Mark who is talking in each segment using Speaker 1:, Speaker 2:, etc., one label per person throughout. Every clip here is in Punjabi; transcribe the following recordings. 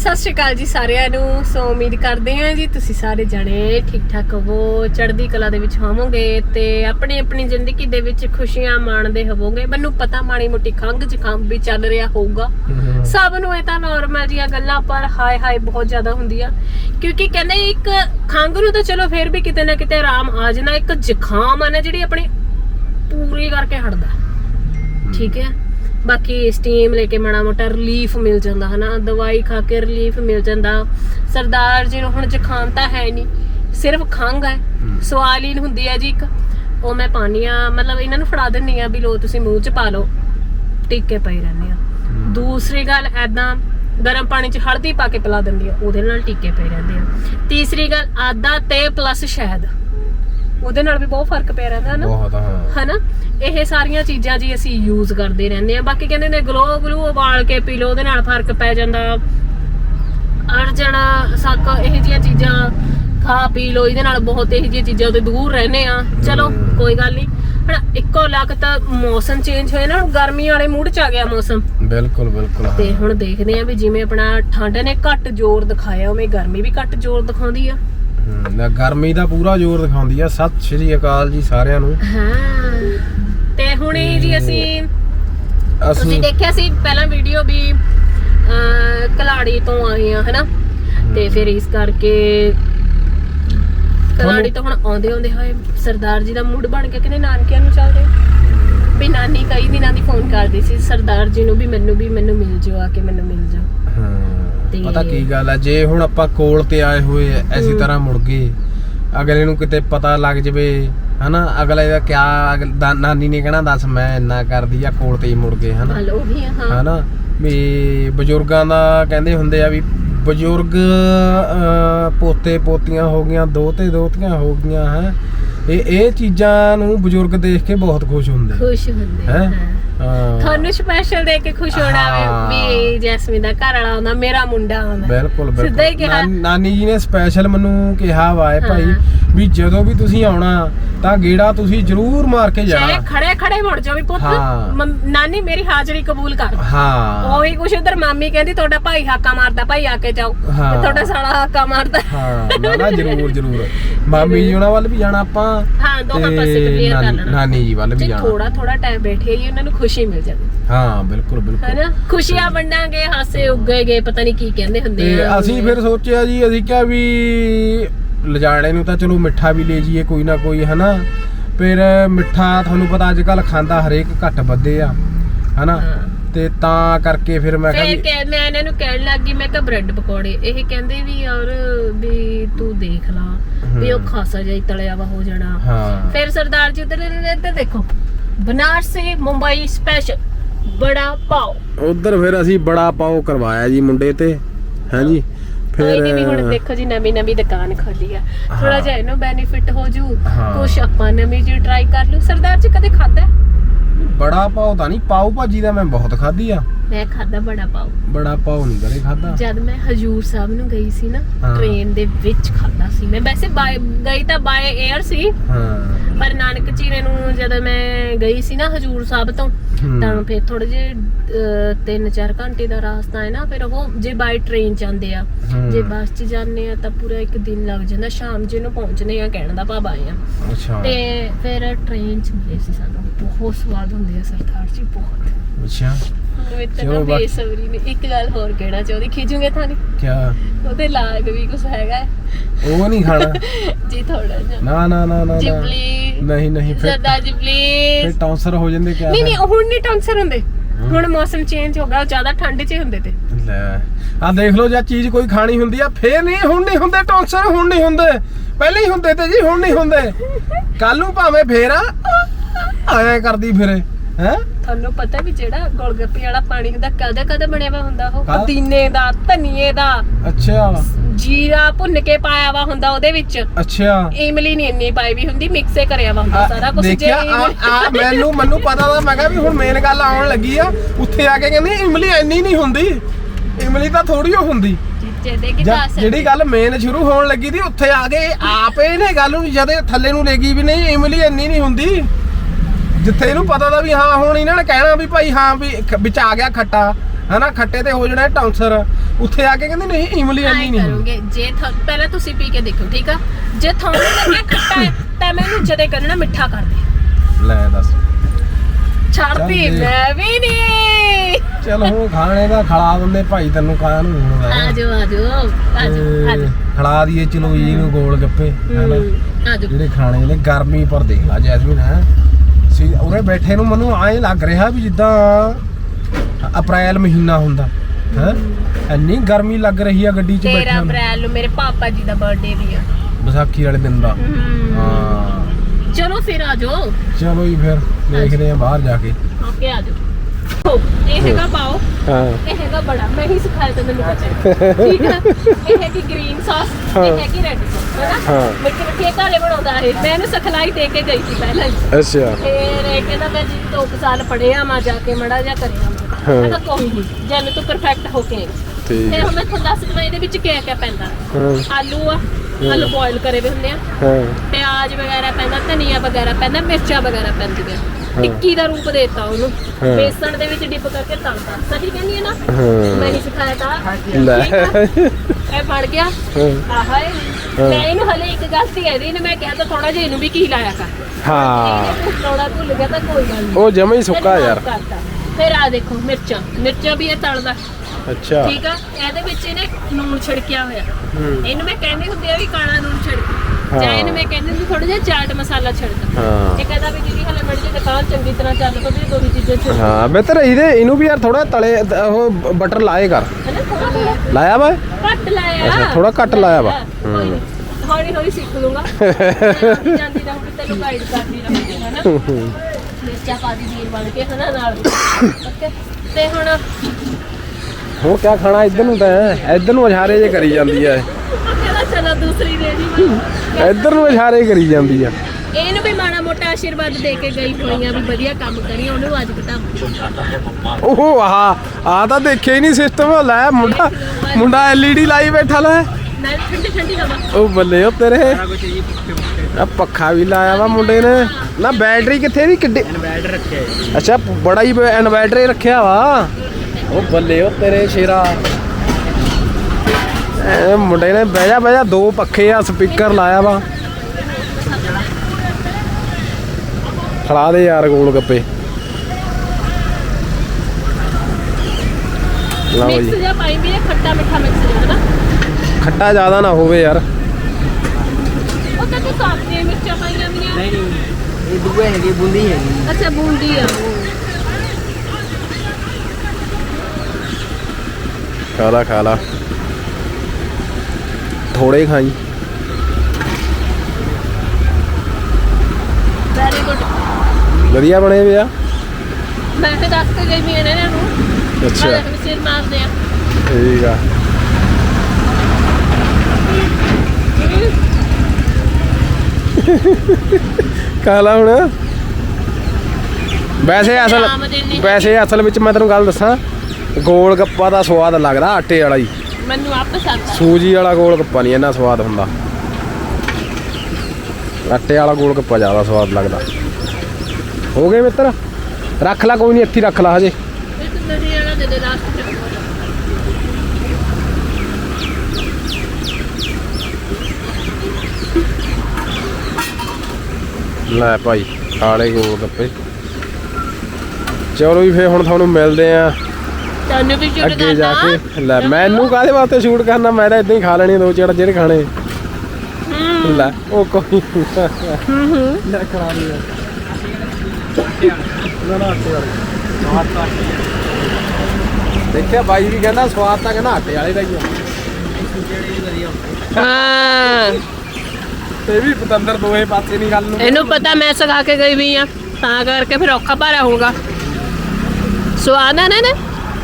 Speaker 1: ਸਤਿ ਸ਼੍ਰੀ ਅਕਾਲ ਜੀ ਸਾਰਿਆਂ ਨੂੰ। ਸੋ ਉਮੀਦ ਕਰਦੇ ਹਾਂ ਜੀ ਤੁਸੀਂ ਸਾਰੇ ਜਣੇ ਠੀਕ ਠਾਕ ਹੋਵੋ, ਚੜ੍ਹਦੀ ਕਲਾ ਦੇ ਵਿੱਚ ਹੋਵੋਗੇ ਤੇ ਆਪਣੀ ਆਪਣੀ ਜ਼ਿੰਦਗੀ ਦੇ ਵਿੱਚ ਖੁਸ਼ੀਆਂ ਮਾਣਦੇ ਹੋਵੋਗੇ। ਮੈਨੂੰ ਪਤਾ ਮਾੜੀ ਮੋਟੀ ਖੰਘ ਜ਼ੁਕਾਮ ਵੀ ਚੱਲ ਰਿਹਾ ਹੋਊਗਾ ਸਭ ਨੂੰ, ਇਹ ਤਾਂ ਨਾਰਮਲ ਜੀਆਂ ਗੱਲਾਂ, ਪਰ ਹਾਏ ਹਾਏ ਬਹੁਤ ਜ਼ਿਆਦਾ ਹੁੰਦੀ ਆ। ਕਿਉਂਕਿ ਕਹਿੰਦੇ ਇੱਕ ਖੰਘ ਨੂੰ ਤਾਂ ਚਲੋ ਫਿਰ ਵੀ ਕਿਤੇ ਨਾ ਕਿਤੇ ਆਰਾਮ ਆ ਜਾਂਦਾ, ਇੱਕ ਜ਼ੁਕਾਮ ਆ ਨਾ ਜਿਹੜੀ ਆਪਣੀ ਪੂਰੀ ਕਰਕੇ ਹਟਦਾ, ਠੀਕ ਹੈ। ਬਾਕੀ ਸਟੀਮ ਲੈ ਕੇ ਮਾੜਾ ਮੋਟਾ ਰਿਲੀਫ ਮਿਲ ਜਾਂਦਾ ਹੈ ਨਾ, ਦਵਾਈ ਖਾ ਕੇ ਰਿਲੀਫ ਮਿਲ ਜਾਂਦਾ। ਸਰਦਾਰ ਜੀ ਨੂੰ ਹੁਣ ਜ਼ੁਕਾਮ ਤਾਂ ਹੈ ਨਹੀਂ, ਸਿਰਫ ਖੰਘ ਹੈ। ਸਵਾਲੀਨ ਹੁੰਦੀ ਹੈ ਜੀ ਇੱਕ, ਉਹ ਮੈਂ ਪਾਉਂਦੀ ਆ, ਮਤਲਬ ਇਹਨਾਂ ਨੂੰ ਫੜਾ ਦਿੰਦੀ ਆ ਵੀ ਲੋ ਤੁਸੀਂ ਮੂੰਹ 'ਚ ਪਾ ਲਓ, ਟਿੱਕੇ ਪਈ ਰਹਿੰਦੇ ਆ। ਦੂਸਰੀ ਗੱਲ ਐਦਾਂ ਗਰਮ ਪਾਣੀ 'ਚ ਹਲਦੀ ਪਾ ਕੇ ਪਿਲਾ ਦਿੰਦੀ ਆ, ਉਹਦੇ ਨਾਲ ਟਿੱਕੇ ਪਏ ਰਹਿੰਦੇ ਆ। ਤੀਸਰੀ ਗੱਲ ਆਦਾ ਤੇ ਪਲੱਸ ਸ਼ਹਿਦ, ਉਹਦੇ ਨਾਲ ਵੀ ਬਹੁਤ ਫਰਕ ਪਿਆ ਰਹਿੰਦਾ ਹਨਾ। ਇਹ ਸਾਰੀਆਂ ਚੀਜ਼ਾਂ ਜੀ ਅਸੀਂ ਯੂਜ਼ ਕਰਦੇ ਰਹਿੰਦੇ ਆ। ਬਾਕੀ ਕਹਿੰਦੇ ਨੇ ਗਲੂ ਉਬਾਲ ਕੇ ਪੀ ਲਓ, ਉਹਦੇ ਨਾਲ ਫਰਕ ਪੈ ਜਾਂਦਾ। ਅਰਜਨ ਸੱਕ ਇਹ ਜਿਹੀਆਂ ਚੀਜ਼ਾਂ ਖਾ ਪੀ ਲਓ, ਇਹਦੇ ਨਾਲ ਬਹੁਤ ਇਹ ਜਿਹੀਆਂ ਚੀਜ਼ਾਂ ਤੋਂ ਦੂਰ ਰਹਿੰਦੇ ਆ। ਚਲੋ ਕੋਈ ਗੱਲ ਨਹੀਂ, ਹੁਣ ਇੱਕੋ ਲੱਖ ਤਾਂ ਮੌਸਮ ਚੇਂਜ ਹੋਇਆ ਨਾ, ਗਰਮੀ ਵਾਲੇ ਮੂਡ 'ਚ ਆ ਗਿਆ ਮੌਸਮ।
Speaker 2: ਬਿਲਕੁਲ ਬਿਲਕੁਲ।
Speaker 1: ਤੇ ਹੁਣ ਦੇਖਦੇ ਆ ਵੀ ਜਿਵੇਂ ਆਪਣਾ ਠੰਡ ਨੇ ਘੱਟ ਜ਼ੋਰ ਦਿਖਾਇਆ, ਉਵੇਂ ਗਰਮੀ ਵੀ ਘੱਟ ਜ਼ੋਰ ਦਿਖਾਉਂਦੀ ਆ।
Speaker 2: ਗਰਮੀ ਦਾ ਪੂਰਾ ਜ਼ੋਰ ਦਿਖਾਉਂਦੀ ਆ। ਸਤਿ ਸ਼੍ਰੀ ਅਕਾਲ ਜੀ ਸਾਰਿਆਂ ਨੂੰ।
Speaker 1: ਹਾਂ ਤੇ ਹੁਣੇ ਜੀ ਅਸੀਂ ਤੁਸੀਂ ਦੇਖਿਆ ਸੀ ਪਹਿਲਾਂ ਵੀਡੀਓ ਵੀ ਕਲਾੜੀ ਤੋਂ ਆਏ ਆ ਹਨਾ, ਤੇ ਫਿਰ ਇਸ ਕਰਕੇ ਕਲਾੜੀ ਤੋਂ ਹੁਣ ਆਉਂਦੇ ਹੋਏ ਸਰਦਾਰ ਜੀ ਦਾ ਮੂਡ ਬਣ ਗਿਆ, ਕਹਿੰਦੇ ਨਾਨਕਿਆਂ ਨੂੰ ਚੱਲਦੇ ਵੀ। ਨਾਨੀ ਕਈ ਦਿਨਾਂ ਦੀ ਫੋਨ ਕਰਦੀ ਸੀ ਸਰਦਾਰ ਜੀ ਨੂੰ ਵੀ ਮੈਨੂੰ ਮਿਲ ਜਾਓ, ਆ ਕੇ ਮੈਨੂੰ ਮਿਲ ਜਾਓ।
Speaker 2: ਪਤਾ ਕੀ ਗੱਲ ਆ, ਜੇ ਹੁਣ ਆਪਾਂ ਕੋਲ ਤੇ ਆਏ ਹੋਏ ਐਸੀ ਤਰ੍ਹਾਂ ਮੁੜ ਗਏ, ਅਗਲੇ ਨੂੰ ਕਿਤੇ ਪਤਾ ਲੱਗ ਜਵੇ ਹਨਾ, ਅਗਲੇ ਦਾ ਕਿਆ ਨਾਨੀ ਨੇ ਕਹਿਣਾ, ਦੱਸ ਮੈਂ ਇੰਨਾ ਕਰਦੀ ਆ, ਕੋਲ ਤੇ ਹੀ ਮੁੜ ਗਏ ਹਨਾ ਹਨਾ। ਵੀ ਬਜ਼ੁਰਗਾਂ ਦਾ ਕਹਿੰਦੇ ਹੁੰਦੇ ਆ ਵੀ ਬਜ਼ੁਰਗ ਪੋਤੇ ਪੋਤੀਆਂ ਹੋ ਗਈਆਂ, ਦੋਤੇ ਦੋਤੀਆਂ ਹੋ ਗਈਆਂ ਹੈ। ਇਹ ਚੀਜ਼ਾਂ ਨੂੰ ਬਜ਼ੁਰਗ ਦੇਖ ਕੇ ਬਹੁਤ ਖੁਸ਼ ਹੁੰਦੇ ਹੈ। ਤੁਹਾਨੂੰ ਸਪੈਸ਼ਲ ਦੇਖ ਕੇ ਖੁਸ਼ ਹੋਣਾ ਵੀ ਜੈਸਮੀਨ ਦਾ ਘਰ ਵਾਲਾ ਆਉਂਦਾ, ਮੇਰਾ ਮੁੰਡਾ ਆਉਂਦਾ। ਬਿਲਕੁਲ ਬਿਲਕੁਲ। ਨਾਨੀ ਜੀ ਨੇ ਸਪੈਸ਼ਲ ਮੈਨੂੰ ਕਿਹਾ ਵਾ ਭਾਈ ਵੀ ਜਦੋਂ ਵੀ ਤੁਸੀਂ ਆਉਣਾ ਤਾਂ ਗੇੜਾ ਤੁਸੀਂ ਜ਼ਰੂਰ ਮਾਰ ਕੇ ਜਾਣਾ,
Speaker 1: ਖੜੇ ਖੜੇ ਮੁੜ ਜਾਓ ਵੀ ਪੁੱਤ ਨਾਨੀ ਮੇਰੀ ਹਾਜ਼ਰੀ ਕਬੂਲ ਕਰ।
Speaker 2: ਹਾਂ
Speaker 1: ਉਹੀ ਕੁਛ ਉਧਰ ਮਾਮੀ ਕਹਿੰਦੀ ਤੁਹਾਡਾ ਭਾਈ ਹਾਕਾ ਮਾਰਦਾ, ਭਾਈ ਆ ਕੇ ਜਾਓ, ਤੁਹਾਡਾ ਸਾਲਾ ਹਾਕਾ ਮਾਰਦਾ।
Speaker 2: ਹਾਂ ਨਾ ਜ਼ਰੂਰ ਜ਼ਰੂਰ। ਮਾਮੀ ਜੀ ਉਹਨਾਂ ਵੱਲ ਵੀ ਜਾਣਾ ਆਪਾਂ,
Speaker 1: ਹਾਂ ਦੋਹਾਂ ਪਾਸੇ ਕਲੀਅਰ ਕਰ ਲੈਣਾ।
Speaker 2: ਨਾਨੀ ਜੀ ਵੱਲ ਵੀ ਜਾਣਾ,
Speaker 1: ਥੋੜਾ ਟਾਈਮ ਬੈਠੇ ਜੀ ਉਹਨਾਂ ਨੂੰ ਖੁਸ਼ੀ ਮਿਲ ਜਾਵੇ।
Speaker 2: ਹਾਂ ਬਿਲਕੁਲ ਬਿਲਕੁਲ
Speaker 1: ਹੈਨਾ, ਖੁਸ਼ੀਆਂ ਵੰਡਾਂਗੇ, ਹਾਸੇ ਉੱਗੇਗੇ, ਪਤਾ ਨਹੀਂ ਕੀ ਕਹਿੰਦੇ ਹੁੰਦੇ ਆ।
Speaker 2: ਅਸੀਂ ਫਿਰ ਸੋਚਿਆ ਜੀ, ਅਸੀਂ ਕਿਹਾ ਵੀ ਲਿਜਾਣੇ ਨੂੰ ਤਾਂ ਚਲੋ ਮਿੱਠਾ ਵੀ ਲੈ ਜਾਈਏ ਕੋਈ ਨਾ ਕੋਈ ਹਨਾ। ਫਿਰ ਮਿੱਠਾ ਤੁਹਾਨੂੰ ਪਤਾ ਅੱਜ ਕੱਲ ਖਾਂਦਾ ਹਰੇਕ ਘੱਟ ਵੱਧੇ ਆ ਹਨਾ, ਤੇ ਤਾਂ ਕਰਕੇ ਫਿਰ ਮੈਂ ਕਿਹਾ ਮੈਂ ਇਹਨਾਂ ਨੂੰ ਕਹਿਣ ਲੱਗ ਗਈ, ਮੈਂ ਕਿਹਾ ਬ੍ਰੈਡ ਪਕੌੜੇ। ਇਹ ਕਹਿੰਦੇ ਵੀ ਯਾਰ ਵੀ ਤੂੰ ਦੇਖ ਲਾ ਵੀ ਉਹ ਖਾਸਾ ਜਿਹਾ ਤਲਿਆ ਵਾ ਹੋ ਜਾਣਾ। ਫਿਰ ਸਰਦਾਰ ਜੀ ਉਧਰ ਦੇਖੋ, ਬਨਾਰਸੀ ਮੁੰਬਈ ਸਪੈਸ਼ਲ ਬੜਾ ਪਾਓ, ਉਧਰ ਫਿਰ ਅਸੀਂ ਬੜਾ ਪਾਓ ਕਰਵਾਇਆ ਜੀ ਮੁੰਡੇ ਤੇ ਹੈ ਜੀ।
Speaker 1: ਫਿਰ ਵੀ ਹੁਣ ਦੇਖੋ ਜੀ ਨਵੀਂ ਦੁਕਾਨ ਖੋਲੀ ਆ, ਥੋੜਾ ਜਿਹਾ ਇਹਨੂੰ ਬੈਨੀਫਿਟ ਹੋ ਜੂ, ਕੁਛ ਆਪਾਂ ਨਵੀਂ ਜੀ ਟਰਾਈ ਕਰ ਲੂ। ਸਰਦਾਰ ਜੀ ਕਦੇ ਖਾਦਾ
Speaker 2: ਬੜਾ ਪਾਓ? ਤਾਂ ਨਹੀਂ, ਪਾਓ ਭਾਜੀ ਦਾ ਮੈਂ ਬਹੁਤ ਖਾਧੀ ਆ।
Speaker 1: ਮੈਂ ਖਾਦਾ ਬੜਾ
Speaker 2: ਪਾਓ ਨਹੀਂ ਕਦੇ ਖਾਦਾ।
Speaker 1: ਜਦ ਮੈਂ ਹਜੂਰ ਸਾਹਿਬ ਨੂੰ ਗਈ ਸੀ ਨਾ, ਟ੍ਰੇਨ ਦੇ ਵਿੱਚ ਖਾਦਾ ਸੀ ਮੈਂ। ਵੈਸੇ ਗਈ ਤਾਂ ਬਾਏ 에ਅਰ ਸੀ, ਪਰ ਨਾਨਕ ਚੀਰੇ ਨੂੰ ਜਦੋਂ ਮੈਂ ਗਈ ਸੀ ਨਾ ਹਜੂਰ ਸਾਹਿਬ ਤੋਂ, ਤਾਂ ਫਿਰ ਥੋੜੇ ਜਿਹੇ 3-4 ਘੰਟੇ ਦਾ ਰਾਸਤਾ ਹੈ ਨਾ। ਫਿਰ ਉਹ ਜੇ ਬਾਏ ਟ੍ਰੇਨ ਜਾਂਦੇ ਆ, ਜੇ ਬੱਸ 'ਚ ਜਾਂਦੇ ਆ ਤਾਂ ਪੂਰਾ ਇੱਕ ਦਿਨ ਲੱਗ ਜਾਂਦਾ, ਸ਼ਾਮ ਜੇ ਨੂੰ ਪਹੁੰਚਨੇ ਆ ਕਹਿਣ ਦਾ ਭਾਵ ਆਏ ਆ। ਤੇ ਫਿਰ ਟ੍ਰੇਨ 'ਚ ਮਿਲੇ ਸੀ ਸਾਨੂੰ, ਬਹੁਤ ਸਵਾਦ ਹੁੰਦੇ ਆ ਸਰਦਾਰ ਜੀ, ਬਹੁਤ।
Speaker 2: ਅੱਛਾ
Speaker 1: ਚਲੋ ਬੇਸਬਰੀ ਨੇ ਇੱਕ ਗੱਲ ਹੋਰ ਕਹਿਣਾ ਚਾਹੁੰਦੀ, ਖਿਜੂਗੇ ਤੁਹਾਨੂੰ?
Speaker 2: ਕਿਆ? ਉਹਦੇ
Speaker 1: ਲਾਗ ਵੀ ਕੁਝ ਹੈਗਾ, ਉਹ
Speaker 2: ਨਹੀਂ ਖਾਣਾ
Speaker 1: ਜੀ ਥੋੜਾ ਜਿਹਾ।
Speaker 2: ਨਾ
Speaker 1: ਜੀ ਪਲੀਜ਼
Speaker 2: ਨਹੀਂ
Speaker 1: ਸਰਦਾਰ ਜੀ ਪਲੀਜ਼।
Speaker 2: ਫਿਰ ਟੌਂਸਰ ਹੋ ਜਾਂਦੇ ਕਿਆ?
Speaker 1: ਨਹੀਂ ਹੁਣ ਨਹੀਂ ਟੌਂਸਰ ਹੁੰਦੇ, ਹੁਣ ਮੌਸਮ ਚੇਂਜ ਹੋ ਗਿਆ, ਜ਼ਿਆਦਾ ਠੰਡ 'ਚ ਹੀ ਹੁੰਦੇ ਤੇ।
Speaker 2: ਲੈ ਆ ਦੇਖ ਲਓ, ਜੇ ਚੀਜ਼ ਕੋਈ ਖਾਣੀ ਹੁੰਦੀ ਆ ਫੇਰ ਨਹੀਂ, ਹੁਣ ਨਹੀਂ ਹੁੰਦੇ ਟੌਂਸਰ, ਹੁਣ ਨਹੀਂ ਹੁੰਦੇ, ਪਹਿਲਾਂ ਹੀ ਹੁੰਦੇ ਤੇ ਜੀ, ਹੁਣ ਨਹੀਂ ਹੁੰਦੇ। ਕੱਲ ਨੂੰ ਭਾਵੇਂ ਫੇਰ ਆਇਆ ਕਰਦੀ ਫਿਰੇ ਹੈ। ਤੁਹਾਨੂੰ
Speaker 1: ਪਤਾ ਵੀ ਜਿਹੜਾ ਗੋਲਗੱਪੇ ਵਾਲਾ ਪਾਣੀ ਹੁੰਦਾ ਕਦੇ ਬਣਿਆ ਵਾ ਹੁੰਦਾ, ਉਹ ਪੁਦੀਨੇ ਦਾ, ਧਨੀਏ ਦਾ, ਅੱਛਾ ਜੀਰਾ ਭੁੰਨ ਕੇ ਪਾਇਆ ਵਾ ਹੁੰਦਾ ਉਹਦੇ ਵਿੱਚ। ਅੱਛਾ ਇਮਲੀ ਨਹੀਂ ਇੰਨੀ ਪਾਈ ਵੀ ਹੁੰਦੀ, ਮਿਕਸੇ ਕਰਿਆ ਵਾ ਹੁੰਦਾ ਸਾਰਾ ਕੁਝ।
Speaker 2: ਮੈਨੂੰ ਪਤਾ ਤਾਂ, ਮੈਂ ਕਿਹਾ ਵੀ ਹੁਣ ਮੇਨ ਗੱਲ ਆਉਣ ਲੱਗੀ ਆ। ਉੱਥੇ ਆ ਕੇ ਕਹਿੰਦੀ ਇਮਲੀ ਇੰਨੀ ਨਹੀਂ ਹੁੰਦੀ, ਇਮਲੀ ਤਾਂ ਥੋੜੀ ਹੋ ਹੁੰਦੀ। ਜਿਹੜੀ ਗੱਲ ਮੇਨ ਸ਼ੁਰੂ ਹੋਣ ਲੱਗੀ ਸੀ, ਉੱਥੇ ਆ ਕੇ ਆਪ ਇਹਨੇ ਗੱਲ ਨੂੰ ਜਦ ਥੱਲੇ ਨੂੰ ਲੈ ਗਈ ਵੀ ਨਹੀਂ ਇਮਲੀ ਇੰਨੀ ਨਹੀਂ ਹੁੰਦੀ, ਜਿੱਥੇ ਇਹਨੂੰ ਪਤਾ ਦਾ ਵੀ ਹਾਂ ਹੁਣ ਇਹਨਾਂ ਨੇ ਕਹਿਣਾ ਵੀ ਭਾਈ ਹਾਂ ਵੀ ਵਿੱਚ ਆ ਗਿਆ ਖੱਟਾ ਹਨਾ ਖੱਟੇ ਤੇ ਹੋ ਜਾਣਾ ਟੌਂਸਰ, ਉੱਥੇ ਆ ਕੇ ਕਹਿੰਦੇ ਨਹੀਂ ਇਮਲੀ ਇੰਨੀ ਨਹੀਂ
Speaker 1: ਕਰੋਗੇ ਜੇ ਪਹਿਲਾਂ ਤੁਸੀਂ ਪੀ ਕੇ ਦੇਖੋ ਠੀਕ ਆ, ਜੇ ਤੁਹਾਨੂੰ ਲੱਗੇ ਖੱਟਾ ਹੈ ਤਾਂ ਮੈਂ ਇਹਨੂੰ ਜਦੇ ਕਰਨਾ ਮਿੱਠਾ ਕਰ ਦੇ।
Speaker 2: ਲੈ ਦੱਸ
Speaker 1: ਛੱਡਦੀ ਮੈਂ ਵੀ ਨਹੀਂ।
Speaker 2: ਚਲ ਹੁਣ ਖਾਣੇ ਦਾ ਖਿਲਾ ਦਿੰਦੇ ਭਾਈ ਤੈਨੂੰ ਖਾਣ ਨੂੰ ਹੁਣ
Speaker 1: ਆਜੋ ਆਜੋ ਆਜੋ
Speaker 2: ਖਿਲਾ ਦਈਏ ਚਲੋ ਜੀ ਨੂੰ ਗੋਲ ਗੱਪੇ ਹਨਾ
Speaker 1: ਆਜੋ।
Speaker 2: ਜਿਹੜੇ ਖਾਣੇ ਨੇ ਗਰਮੀ ਪਰ ਦੇਖ ਲਾ ਜੈਸਮੀਨ ਹੈ ਸੀ ਉਰੇ ਬੈਠੇ ਨੂੰ ਮੈਨੂੰ ਐਂ ਲੱਗ ਰਿਹਾ ਵੀ ਜਿੱਦਾਂ ਅਪ੍ਰੈਲ ਮਹੀਨਾ ਹੁੰਦਾ ਹੈ, ਇੰਨੀ ਗਰਮੀ ਲੱਗ ਰਹੀ ਆ ਗੱਡੀ 'ਚ
Speaker 1: 13
Speaker 2: ਬੈਠੇ ਨੂੰ।
Speaker 1: ਅਪ੍ਰੈਲ ਨੂੰ ਮੇਰੇ ਪਾਪਾ ਜੀ ਦਾ ਬਰਥਡੇ ਵੀ ਆ,
Speaker 2: ਵਿਸਾਖੀ ਵਾਲੇ ਦਿਨ ਦਾ। ਹਾਂ
Speaker 1: ਚਲੋ ਫਿਰ ਆਜੋ।
Speaker 2: ਚਲੋ ਜੀ ਫਿਰ ਦੇਖਦੇ ਆ ਬਾਹਰ ਜਾ ਕੇ।
Speaker 1: ਓਕੇ ਆਜੋ। ਇਹ ਹੈਗਾ ਪਾਓ, ਇਹ ਹੈਗਾ ਬੜਾ, ਮੈਂ ਹੀ ਸਿਖਾਇਆ ਤਾਂ ਮੈਨੂੰ ਪਤਾ ਠੀਕ ਹੈ। ਇਹ ਹੈਗੀ ਗ੍ਰੀਨ ਸੌਸ, ਇਹ ਹੈਗੀ ਰੈੱਡ ਸੌਸ ਹੈਨਾ। ਮਿੱਠੇ ਮਿੱਠੇ ਘਰੇ ਬਣਾਉਂਦਾ ਇਹ, ਮੈਂ ਇਹਨੂੰ ਸਿਖਲਾਈ ਦੇ ਕੇ ਗਈ ਸੀ ਪਹਿਲਾਂ ਹੀ।
Speaker 2: ਅੱਛਾ
Speaker 1: ਫਿਰ ਇਹ ਕਹਿੰਦਾ ਮੈਂ ਜੀ 2 ਸਾਲ ਪੜਿਆ ਮੈਂ ਜਾ ਕੇ ਮੜਾ ਜਾ ਕਰਿਆ ਮੈਂ ਕਿਹਾ ਕੋਈ ਨਹੀਂ ਜਨ ਤੂੰ ਪਰਫੈਕਟ ਹੋ ਕੇ ਆਈ।
Speaker 2: ਠੀਕ
Speaker 1: ਫਿਰ ਹੁਣ ਮੈਂ ਤੁਹਾਨੂੰ ਦੱਸ ਦਵਾਂ ਇਹਦੇ ਵਿੱਚ ਕਿਆ ਕਿਆ ਪੈਂਦਾ। ਆਲੂ ਆ, ਆਲੂ ਬੋਇਲ ਕਰੇ ਵੇ ਹੁੰਦੇ ਆ, ਪਿਆਜ਼ ਵਗੈਰਾ ਪੈਂਦਾ, ਧਨੀਆ ਵਗੈਰਾ ਪੈਂਦਾ, ਮਿਰਚਾਂ ਵਗੈਰਾ ਪੈਂਦੀਆਂ। ਟਿੱਕੀ ਦਾ ਰੂਪ ਦੇਤਾ ਉਹਨੂੰ, ਬੇਸਣ ਦੇ ਵਿੱਚ ਡਿਪ ਕਰਕੇ ਤਲਦਾ। ਸਹੀ ਕਹਿੰਦੀ ਹੈ ਨਾ, ਮੈਂ ਹੀ ਸਿਖਾਇਆ ਤਾਂ
Speaker 2: ਲੈ
Speaker 1: ਇਹ ਬਣ ਗਿਆ। ਆਹਾਏ ਮੈਂ ਇਹਨੂੰ ਹਲੇ ਇੱਕ ਗਲਤੀ ਹੈ ਇਹਨੇ, ਮੈਂ ਕਿਹਾ ਤਾਂ ਥੋੜਾ ਜਿਹਾ ਇਹਨੂੰ ਵੀ ਕੀ ਲਾਇਆ ਕਰ।
Speaker 2: ਹਾਂ
Speaker 1: ਥੋੜਾ ਭੁੱਲ ਗਿਆ ਤਾਂ ਕੋਈ ਗੱਲ ਨਹੀਂ,
Speaker 2: ਉਹ ਜਮਾ ਹੀ ਸੁੱਕਾ ਯਾਰ।
Speaker 1: ਫਿਰ ਆ ਦੇਖੋ ਮਿਰਚਾਂ ਵੀ ਇਹ ਤਲਦਾ।
Speaker 2: ਅੱਛਾ
Speaker 1: ਠੀਕ ਆ, ਇਹਦੇ ਵਿੱਚ ਇਹਨੇ ਨੂਣ ਛਿੜਕਿਆ ਹੋਇਆ। ਇਹਨੂੰ ਮੈਂ ਕਹਿੰਦੀ ਹੁੰਦੀ ਆ ਵੀ ਕਾਲਾ ਨੂਣ ਛਿੜਕ, ਜਾਂ ਇਹਨੂੰ ਮੈਂ ਕਹਿੰਦੀ ਹੁੰਦੀ ਥੋੜਾ ਜਿਹਾ ਚਾਟ ਮਸਾਲਾ ਛਿੜਕ। ਇਹ ਕਹਿੰਦਾ ਵੀ ਦੀਦੀ ਹਲੇ ਮੜ ਜੇ ਦੁਕਾਨ ਚੰਗੀ ਤਰ੍ਹਾਂ ਚੱਲ ਪਵੇ, ਦੋ ਚੀਜ਼ਾਂ ਛਿੜਕ।
Speaker 2: ਹਾਂ ਬਿਹਤਰ ਇਹਨੂੰ ਵੀ ਯਾਰ ਥੋੜਾ ਤਲੇ ਉਹ ਬਟਰ ਲਾਏ ਕਰ।
Speaker 1: ਹੈਨਾ ਥੋੜਾ
Speaker 2: ਲਾਇਆ ਵਾ
Speaker 1: ਘੱਟ ਲਾਇਆ।
Speaker 2: ਅੱਛਾ ਥੋੜਾ ਘੱਟ ਲਾਇਆ ਵਾ।
Speaker 1: ਹੌਲੀ ਹੌਲੀ ਸਿੱਖ ਲੂੰਗਾ। ਜਾਂਦੀ ਰਹੂੰਗੀ ਤੈਨੂੰ ਗਾਈਡ ਕਰਦੀ ਰਹੂੰਗੀ ਹੈਨਾ। ਮਿਰਚਾਂ ਪਾ ਦੀ ਵੀਰ ਬਣ ਕੇ ਹੈਨਾ ਨਾਲ। ਓਕੇ ਤੇ ਹੁਣ
Speaker 2: ਕਿਆ ਖਾਣਾ ਇੱਧਰ ਨੂੰ ਤਾਂ ਇੱਧਰ ਨੂੰ ਇਸ਼ਾਰੇ ਜੇ ਕਰੀ ਜਾਂਦੀ ਆ।
Speaker 1: ਕਹਿੰਦਾ ਚਲੋ ਦੂਸਰੀ ਦੇ ਦੀ।
Speaker 2: ਇੱਧਰ ਨੂੰ ਇਸ਼ਾਰੇ ਕਰੀ ਜਾਂਦੀ ਆ।
Speaker 1: ਇਹਨੂੰ ਵੀ ਮਾੜਾ ਮੋਟਾ ਆਸ਼ੀਰਵਾਦ ਦੇ ਕੇ ਗਈ ਹੋਈਆਂ ਵੀ ਵਧੀਆ ਕੰਮ ਕਰੀ, ਉਹਨੂੰ ਅੱਜ ਪਤਾ।
Speaker 2: ਉਹ ਆ ਤਾਂ ਦੇਖਿਆ ਹੀ ਨਹੀਂ ਸਿਸਟਮ। ਲੈ ਮੁੰਡਾ LED ਲਾਈ ਬੈਠਾ ਲੈ।
Speaker 1: ਮੈਂ ਠੰਡੀ ਠੰਡੀ ਹਵਾ।
Speaker 2: ਉਹ ਬੱਲੇ ਉਹ ਤੇਰੇ ਆ ਪੱਖਾ ਵੀ ਲਾਇਆ ਵਾ ਮੁੰਡੇ ਨੇ। ਨਾ ਬੈਟਰੀ ਕਿੱਥੇ ਦੀ ਕਿੱਡੇ ਇਨਵਰਟਰ ਰੱਖਿਆ। ਅੱਛਾ ਬੜਾ ਹੀ ਇਨਵਰਟਰ ਰੱਖਿਆ ਵਾ। ਉਹ ਬੱਲੇ ਉਹ ਤੇਰੇ ਸ਼ੇਰਾ। ਇਹ ਮੁੰਡੇ ਨੇ ਬਹਿ ਜਾ 2 ਪੱਖੇ ਆ, ਸਪੀਕਰ ਲਾਇਆ ਵਾ। ਖੜਾ ਦੇ ਯਾਰ ਗੋਲ ਗੱਪੇ। ਲਓ ਜੀ
Speaker 1: ਮਿਕਸ ਜਿਹਾ ਪਾਈ ਵੀ ਇਹ ਖੱਟਾ ਮਿੱਠਾ ਮਿਕਸ ਜਿਹਾ ਹੈਨਾ।
Speaker 2: ਖੱਟਾ ਜ਼ਿਆਦਾ ਨਾ ਹੋਵੇ ਯਾਰ।
Speaker 1: ਉਹ ਤਾਂ ਤੂੰ ਸਾਫ ਮਿਰਚਾਂ ਪਾਈਆਂ ਵੀ ਆ।
Speaker 3: ਨਹੀਂ ਇਹ ਦੂਏ ਹੈਗੀ ਬੂੰਦੀ ਹੈਗੀ।
Speaker 1: ਅੱਛਾ ਬੂੰਦੀ ਆ ਉਹ।
Speaker 2: ਖਾ ਲਾ ਥੋੜੇ ਖਾਈ।
Speaker 1: ਵੈਰੀ ਗੁੱਡ,
Speaker 2: ਵਧੀਆ ਬਣੇ ਵੇ ਆ।
Speaker 1: ਮੈਂ ਫਿਰ ਦੱਸ ਕੇ ਗਈ ਵੀ ਇਹਨਾਂ ਨੂੰ।
Speaker 2: ਅੱਛਾ
Speaker 1: ਸਿਰ ਮਾਰਦੇ ਆ।
Speaker 2: ਠੀਕ ਆ। ਖਾ ਲਾ ਹੁਣ। ਵੈਸੇ ਅਸਲ ਵਿੱਚ ਮੈਂ ਤੈਨੂੰ ਗੱਲ ਦੱਸਾਂ, ਗੋਲ ਗੱਪਾ ਦਾ ਸਵਾਦ ਲੱਗਦਾ ਆਟੇ ਵਾਲਾ ਹੀ।
Speaker 1: ਮੈਨੂੰ ਆਪ ਪਸੰਦ ਆ।
Speaker 2: ਸੂਜੀ ਵਾਲਾ ਗੋਲ ਗੱਪਾ ਨਹੀਂ ਇੰਨਾ ਸਵਾਦ ਹੁੰਦਾ। ਆਟੇ ਵਾਲਾ ਗੋਲ ਗੱਪਾ ਜ਼ਿਆਦਾ ਸਵਾਦ ਲੱਗਦਾ। ਹੋ ਗਏ ਮਿੱਤਰ, ਰੱਖ ਲਾ ਕੋਈ ਨਹੀਂ, ਇੱਥੇ ਰੱਖ ਲਾ ਹਜੇ।
Speaker 1: ਇੱਕ ਦਹੀਂ ਵਾਲਾ ਦੇ ਦੇ ਲਾਸਟ ਚ।
Speaker 2: ਲੈ ਭਾਈ ਖਾਲੇ ਗੋਲ ਗੱਪੇ। ਚਲੋ ਵੀ ਫੇਰ ਹੁਣ ਤੁਹਾਨੂੰ ਮਿਲਦੇ ਆ
Speaker 1: ਤੁਹਾਨੂੰ ਵੀ ਸ਼ੂਟ
Speaker 2: ਅੱਗੇ ਜਾ
Speaker 1: ਕਰਨਾ।
Speaker 2: ਕੇ। ਲੈ ਮੈਨੂੰ ਕਾਹਦੇ ਵਾਸਤੇ ਸ਼ੂਟ ਕਰਨਾ, ਮੈਂ ਤਾਂ ਇਦਾਂ ਹੀ ਖਾ ਲੈਣੀ 2 ਚੜ ਜਿਹੜੇ ਖਾਣੇ। ਲੈ ਉਹ ਕੋਈ ਲੈ ਖਾ ਲਿਆ। ਦੇਖਿਆ ਬਾਈ ਵੀ ਕਹਿੰਦਾ ਸਵਾਦ ਤਾਂ ਕਹਿੰਦਾ ਆਟੇ ਵਾਲੇ ਦਾ ਹੀ ਆ।
Speaker 1: ਹਾਂ
Speaker 2: ਤੇ ਵੀ ਪਤੰਦਰ ਦੋਵੇਂ ਪਾਸੇ ਨਹੀਂ ਗੱਲ ਨੂੰ।
Speaker 1: ਇਹਨੂੰ ਪਤਾ ਮੈਂ ਸਿਖਾ ਕੇ ਗਈ ਵੀ ਆ, ਤਾਂ ਕਰਕੇ ਫਿਰ ਔਖਾ ਭਾਰਾ ਹੋਊਗਾ। ਸਵਾਦ ਆ ਨਾ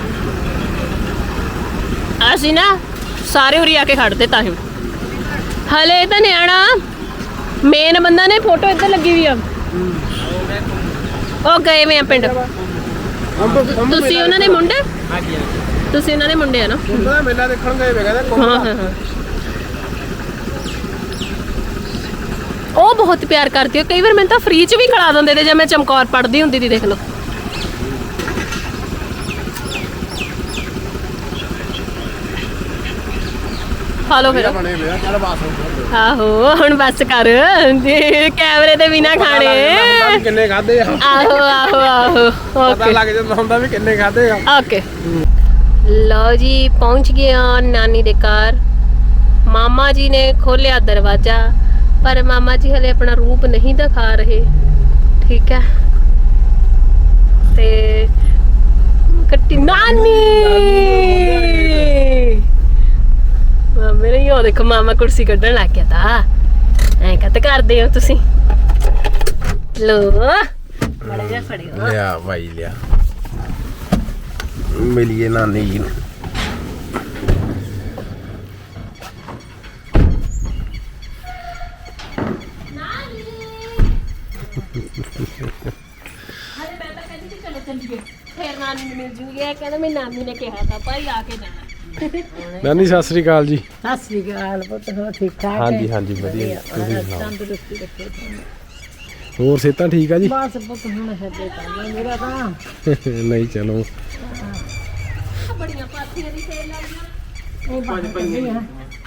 Speaker 1: ਅਸੀਂ ਨਾ ਸਾਰੇ ਉਰੀ ਆ ਕੇ ਖੜਦੇ ਤਾਂ ਹੀ। ਹਲੇ ਤਾਂ ਨਿਆਣਾ ਮੇਨ ਬੰਦਾ ਨੇ ਫੋਟੋ ਇੱਧਰ ਲੱਗੀ ਵੀ ਆ। ਉਹ ਗਏ ਵੇ ਆ ਪਿੰਡ। ਤੁਸੀਂ ਉਹਨਾਂ ਦੇ ਮੁੰਡੇ? ਤੁਸੀਂ ਉਹਨਾਂ ਦੇ ਮੁੰਡੇ ਆ ਨਾ?
Speaker 2: ਮੇਲਾ ਦੇਖਣ ਗਏ ਵੇ ਕਹਿੰਦੇ।
Speaker 1: ਹਾਂ ਉਹ ਬਹੁਤ ਪਿਆਰ ਕਰਦੀ ਹੈ। ਕਈ ਵਾਰ ਮੈਨੂੰ ਤਾਂ ਫ੍ਰੀ ਚ ਵੀ ਖਿਲਾ ਦਿੰਦੇ ਤੇ ਜੇ ਮੈਂ ਚਮਕੌਰ ਪੜਦੀ ਹੁੰਦੀ ਸੀ। ਦੇਖ ਲਓ ਖਾ ਲਓ ਫਿਰ
Speaker 2: ਬਣੇ ਹੋਏ ਆ ਚੱਲ ਬਸ
Speaker 1: ਆਹੋ ਹੁਣ ਬਸ ਕਰ ਜੇ ਕੈਮਰੇ ਦੇ ਬਿਨਾ ਖਾਣੇ
Speaker 2: ਕਿੰਨੇ ਖਾਦੇ ਆ
Speaker 1: ਆਹੋ ਆਹੋ ਆਹੋ
Speaker 2: ਪਤਾ
Speaker 1: ਓਕੇ
Speaker 2: ਲੱਗ ਜਾਂਦਾ ਹੁੰਦਾ ਵੀ ਕਿੰਨੇ ਖਾਦੇ ਆ
Speaker 1: ਓਕੇ ਲਓ ਜੀ ਪਹੁੰਚ ਗਏ ਆ ਨਾਨੀ ਦੇ ਘਰ ਮਾਮਾ ਜੀ ਨੇ ਖੋਲਿਆ ਦਰਵਾਜ਼ਾ ਪਰ ਮਾਮਾ ਜੀ ਹਲੇ ਆਪਣਾ ਰੂਪ ਨਹੀਂ ਦਿਖਾ ਰਹੇ ਠੀਕ ਹੈ ਤੇ ਕੱਟੀ ਨਾਨੀ ਮੇਰੇ ਯੋ ਦੇਖੋ ਮਾਮਾ ਕੁਰਸੀ ਕੱਢਣ ਲੱਗ ਗਿਆ ਤਾਂ ਐਂ ਕੱਤ ਕਰਦੇ ਹੋ ਤੁਸੀਂ ਲੋ ਬੜਾ ਜਿਹਾ ਫੜਿਓ
Speaker 2: ਲਿਆ ਭਾਈ ਲਿਆ ਮਿਲੀਏ ਨਾਨੀ ਜੀ ਨੂੰ
Speaker 1: ਹਲੇ ਮੈਂ ਤਾਂ ਕਹਿੰਦੀ ਸੀ ਚਲੋ ਚੱਲੀਏ ਫੇਰ ਨਾਨੀ ਨੂੰ ਮਿਲ ਜੂਗੀ ਇਹ ਕਹਿੰਦਾ ਮੇਰੀ ਨਾਨੀ ਨੇ ਕਿਹਾ ਤਾਂ ਭਾਈ ਆ ਕੇ ਜਾਣਾ
Speaker 2: ਨਾਨੀ ਸਤਿ ਸ੍ਰੀ ਅਕਾਲ ਜੀ
Speaker 3: ਸਤਿ ਸ੍ਰੀ ਅਕਾਲ ਪੁੱਤ ਹੋ ਠੀਕ ਠਾਕ
Speaker 2: ਹਾਂਜੀ ਹਾਂਜੀ ਵਧੀਆ ਤੁਸੀਂ ਸੁਣਾਓ
Speaker 3: ਤੰਦਰੁਸਤੀ ਰੱਖੇ ਤੁਹਾਨੂੰ।
Speaker 2: ਹੋਰ ਸਿਹਤਾਂ ਠੀਕ ਆ ਜੀ
Speaker 3: ਬਸ ਪੁੱਤ ਹੁਣ ਹੱਦੇ ਤਾਂ ਮੇਰਾ ਤਾਂ
Speaker 2: ਨਹੀਂ ਚਲੋ
Speaker 1: ਬੜੀਆਂ ਪਾਥੀਆਂ ਦੀ ਸੇਲ ਲੱਗੀਆਂ
Speaker 3: ਇਹ ਬਾਹਰ ਕੱਢੀਆਂ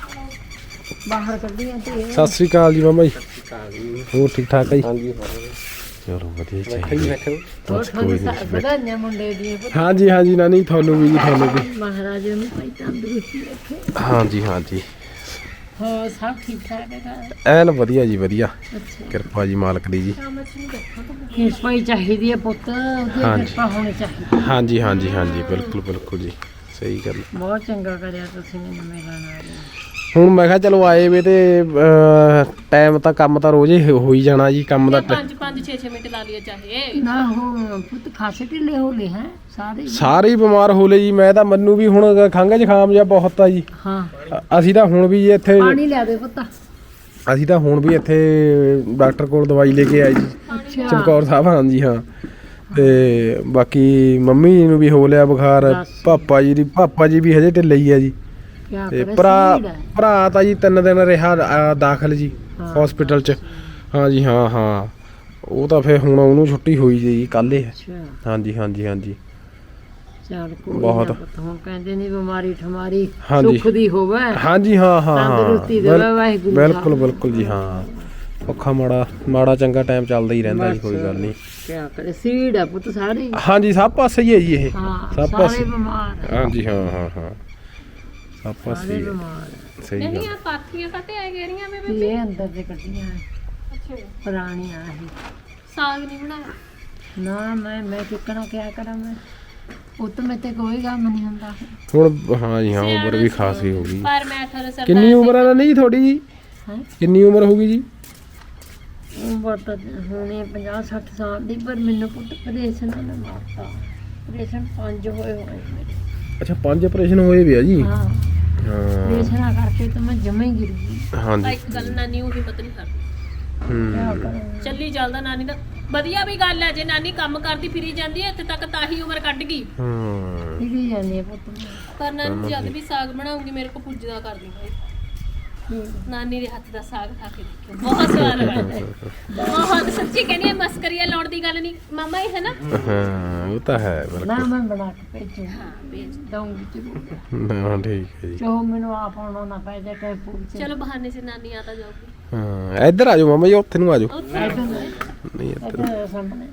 Speaker 3: ਬਾਹਰ ਕੱਢੀਆਂ ਤੇ
Speaker 2: ਸਤਿ ਸ੍ਰੀ ਅਕਾਲ ਜੀ ਮਾਮਾ ਜੀ ਹੋਰ ਠੀਕ ਠਾਕ ਆ ਜੀ ਹਾਂਜੀ ਚਲੋ ਵਧੀਆ ਚਾਹੀਦਾ
Speaker 3: ਹੋਰ ਤੁਹਾਨੂੰ ਵਧਾਈਆਂ ਮੁੰਡੇ ਦੀ ਪੁੱਤ
Speaker 2: ਹਾਂਜੀ ਹਾਂਜੀ ਨਾਨੀ ਤੁਹਾਨੂੰ ਵੀ ਜੀ ਤੁਹਾਨੂੰ ਵੀ
Speaker 3: ਮਹਾਰਾਜ ਨੂੰ ਭਾਈ ਤੰਦਰੁਸਤੀ ਰੱਖੇ
Speaker 2: ਹਾਂਜੀ ਹਾਂਜੀ
Speaker 3: ਹੋਰ ਸਭ ਠੀਕ ਠਾਕ ਹੈ
Speaker 2: ਐਨ ਵਧੀਆ ਜੀ ਵਧੀਆ
Speaker 3: ਅੱਛਾ
Speaker 2: ਕਿਰਪਾ ਜੀ ਮਾਲਕ ਦੀ ਜੀ
Speaker 3: ਕਿਰਪਾ ਹੀ ਚਾਹੀਦੀ ਹੈ ਪੁੱਤ ਉਹਦੀ
Speaker 2: ਹਾਂਜੀ।
Speaker 3: ਕਿਰਪਾ ਹੋਣੀ ਚਾਹੀਦੀ
Speaker 2: ਹਾਂਜੀ ਹਾਂਜੀ ਹਾਂਜੀ ਬਿਲਕੁਲ ਬਿਲਕੁਲ ਜੀ ਸਹੀ ਗੱਲ
Speaker 3: ਬਹੁਤ ਚੰਗਾ ਕਰਿਆ ਤੁਸੀਂ ਮੈਨੂੰ ਮਿਲਣ ਆ ਰਹੇ
Speaker 2: ਹੁਣ ਮੈਂ ਕਿਹਾ ਚਲੋ ਆਏ ਵੇ ਤੇ ਟਾਈਮ ਤਾਂ ਕੰਮ ਤਾਂ ਰੋਜ਼ ਹੀ ਹੋ ਹੀ ਜਾਣਾ ਜੀ ਕੰਮ ਦਾ
Speaker 1: 5 6 ਮਿੰਟ ਲਾ ਲਿਆ ਚਾਹੇ
Speaker 3: ਨਾ ਹੋ ਪੁੱਤ ਖਾਸੇ ਢਿੱਲੇ ਹੋ ਗਏ ਹੈ ਸਾਰੇ ਹੀ।
Speaker 2: ਸਾਰੇ ਹੀ ਬਿਮਾਰ ਹੋ ਲਏ ਜੀ ਮੈਂ ਤਾਂ ਮੈਨੂੰ ਵੀ ਹੁਣ ਖੰਘ ਜ਼ੁਕਾਮ ਜਿਹਾ ਬਹੁਤ ਆ ਜੀ
Speaker 3: ਹਾਂ
Speaker 2: ਅਸੀਂ ਤਾਂ ਹੁਣ ਵੀ ਇੱਥੇ
Speaker 3: ਪਾਣੀ ਲਿਆ ਦੇ ਪੁੱਤ
Speaker 2: ਅਸੀਂ ਤਾਂ ਹੁਣ ਵੀ ਇੱਥੇ ਡਾਕਟਰ ਕੋਲ ਦਵਾਈ ਲੈ ਕੇ ਆਏ ਜੀ
Speaker 3: ਅੱਛਾ
Speaker 2: ਚਮਕੌਰ ਸਾਹਿਬ ਹਾਂਜੀ ਹਾਂ ਤੇ ਬਾਕੀ ਮੰਮੀ ਨੂੰ ਵੀ ਹੋ ਲਿਆ ਬੁਖਾਰ ਪਾਪਾ ਜੀ ਵੀ ਹਜੇ ਢਿੱਲੇ ਹੀ ਆ ਜੀ
Speaker 3: ਕਿਆ
Speaker 2: ਤੇ
Speaker 3: ਕਰੇ
Speaker 2: ਭਰਾ ਤਾਂ ਜੀ 3 ਦਿਨ ਰਿਹਾ ਦਾਖਲ ਜੀ
Speaker 3: ਹਾਂ।
Speaker 2: ਹਸਪੀਟਲ ਚ ਹਾਂਜੀ ਹਾਂ ਹਾਂ ਉਹ ਤਾਂ ਫਿਰ ਹੁਣ ਉਹਨੂੰ ਛੁੱਟੀ ਹੋਈ ਜੀ ਕੱਲ੍ਹ
Speaker 3: ਅੱਛਾ
Speaker 2: ਹਾਂਜੀ ਹਾਂਜੀ ਹਾਂਜੀ
Speaker 3: ਚੱਲ ਕੋਈ
Speaker 2: ਬਹੁਤ।
Speaker 3: ਨਾ ਪੁੱਤ ਹੁਣ ਕਹਿੰਦੇ ਨਹੀਂ ਬਿਮਾਰੀ ਠਮਾਰੀ
Speaker 2: ਹਾਂਜੀ।
Speaker 3: ਸੁੱਖ ਦੀ ਹੋਵੇ
Speaker 2: ਹਾਂਜੀ ਹਾਂ ਹਾਂ ਹਾਂ
Speaker 3: ਤੰਦਰੁਸਤੀ ਦੇਵੇ ਵਾਹਿਗੁਰੂ
Speaker 2: ਬਿਲਕੁਲ ਬਿਲਕੁਲ ਜੀ ਹਾਂ ਔਖਾ ਮਾੜਾ ਚੰਗਾ ਟਾਈਮ ਚੱਲਦਾ ਹੀ ਰਹਿੰਦਾ ਜੀ ਕੋਈ ਗੱਲ ਨਹੀਂ
Speaker 3: ਕਿਆ ਕਰੇ ਸੀੜ ਆ ਪੁੱਤ ਸਾਰੇ ਹੀ।
Speaker 2: ਹਾਂਜੀ ਸਭ ਪਾਸੇ ਹੀ ਹੈ ਜੀ ਇਹ
Speaker 3: ਹਾਂ
Speaker 2: ਸਭ
Speaker 3: ਸਾਰੇ
Speaker 2: ਪਾਸੇ
Speaker 3: ਬਿਮਾਰ ਆ,
Speaker 2: ਹਾਂਜੀ ਹਾਂ ਹਾਂ ਹਾਂ ਸਭ ਪਾਸੇ
Speaker 3: ਸਾਰੇ
Speaker 2: ਹੀ ਹੈ।
Speaker 3: ਬਿਮਾਰ ਆ।
Speaker 2: ਸਹੀ
Speaker 1: ਨਹੀਂ
Speaker 2: ਗੱਲ
Speaker 1: ਆ ਪਾਥੀਆਂ ਕੱਟੇ ਆ ਗਈਆਂ ਮੈਂ
Speaker 3: ਵੀ ਇਹ ਅੰਦਰ ਦੇ ਕੱਢੀਆਂ
Speaker 1: ਅੱਛਾ
Speaker 3: ਪੁਰਾਣੀਆਂ ਇਹ
Speaker 1: ਸਾਗ ਨਹੀਂ ਬਣਾਇਆ
Speaker 3: ਨਾ ਮੈਂ ਕਿੱਕਣਾ ਕਿਆ ਕਰਾਂ ਮੈਂ ਪੁੱਤ ਮੈਂ ਤੇ ਕੋਈ ਕੰਮ ਨਹੀਂ ਹੁੰਦਾ
Speaker 2: ਹੁਣ ਹਾਂਜੀ ਹਾਂ ਉਮਰ ਵੀ ਖਾਸੀ ਹੋ ਗਈ
Speaker 1: ਪਰ ਮੈਂ 18 ਸਾਲ
Speaker 2: ਕਿੰਨੀ ਉਮਰ ਆ ਨਹੀਂ ਤੁਹਾਡੀ ਜੀ
Speaker 3: ਹੈ
Speaker 2: ਕਿੰਨੀ ਉਮਰ ਹੋ ਗਈ ਜੀ
Speaker 3: ਉਮਰ ਤਾਂ ਹੁਣੇ 50-60 ਸਾਲ ਦੀ ਪਰ ਮੈਨੂੰ ਪੁੱਤ ਆਪਰੇਸ਼ਨ ਨੇ ਮਾਰਤਾ ਆਪਰੇਸ਼ਨ 5 ਹੋਏ ਮੇਰੇ
Speaker 2: ਅੱਛਾ 5 ਆਪਰੇਸ਼ਨ ਹੋਏ ਵੀ ਆ ਜੀ
Speaker 3: ਹਾਂ
Speaker 2: ਹਾਂ
Speaker 3: ਆਪਰੇਸ਼ਨਾਂ ਕਰਕੇ ਤਾਂ ਮੈਂ ਜਮੇ ਹੀ ਗਿਰ ਗਈ
Speaker 2: ਹਾਂਜੀ
Speaker 1: ਇੱਕ ਗੱਲ ਨਾਨੀ ਉਹ ਹਿੰਮਤ ਨਹੀਂ ਕਰਦੀ
Speaker 3: ਕਿਆ
Speaker 2: ਹੂੰ
Speaker 3: ਕਰਾਂ
Speaker 1: ਚੱਲੀ ਚੱਲਦਾ ਨਾਨੀ ਦਾ ਵਧੀਆ ਵੀ ਗੱਲ ਹੈ ਜੇ ਨਾਨੀ ਕੰਮ ਕਰਦੀ ਫਿਰੀ ਜਾਂਦੀ ਹੈ ਇੱਥੇ ਤੱਕ ਤਾਂ ਹੀ ਉਮਰ ਕੱਢ ਗਈ
Speaker 2: ਹੂੰ
Speaker 3: ਫਿਰੀ ਜਾਂਦੀ ਹੈ ਪੁੱਤ ਮੈਂ।
Speaker 1: ਪਰ ਨਾਨੀ ਜਦ ਵੀ ਸਾਗ ਬਣਾਉਂਗੀ ਮੇਰੇ ਕੋ ਪੁੱਜਦਾ ਕਰਦੀ ਭਾਈ ਨਾਨੀ ਦੇ ਹੱਥ ਦਾ ਸਾਗ ਖਾ ਕੇ ਦੇਖਿਓ ਬਹੁਤ ਸਵਾਦ ਬਣਦਾ ਬਹੁਤ ਸੱਚੀ ਕਹਿੰਦੀ ਹੈ ਮਸਕਰੀਆ ਲਾਉਣ ਦੀ ਗੱਲ ਨਹੀਂ ਮਾਮਾ ਇਹ ਹੈ ਨਾ
Speaker 2: ਹਾਂ ਉਹ ਤਾਂ ਹੈ
Speaker 3: ਨਾ
Speaker 2: ਬਿਲਕੁਲ
Speaker 3: ਮੈਂ ਬਣਾ ਕੇ ਭੇਜੂ
Speaker 1: ਹਾਂ ਭੇਜ
Speaker 3: ਦਊਂਗੀ ਜ਼ਰੂਰ
Speaker 2: ਹਾਂ ਠੀਕ ਹੈ ਜੀ
Speaker 3: ਜੋ ਮੈਨੂੰ ਆਪ ਆਉਣਾ ਨਾ ਪੈ ਜਾ ਟੈਂਪੂ ਚ
Speaker 1: ਚਲੋ ਬਹਾਨੇ ਸੇ ਨਾਨੀ ਆ ਤਾਂ ਜਾਊਗੀ
Speaker 2: ਹਾਂ ਇੱਧਰ ਆ ਜਾਓ ਮਾਮਾ ਜੀ ਉੱਥੇ ਨੂੰ ਆ ਜਾਓ
Speaker 1: ਉੱਥੇ
Speaker 2: ਨਹੀਂ ਇੱਧਰ
Speaker 3: ਇੱਧਰ ਸਾਹਮਣੇ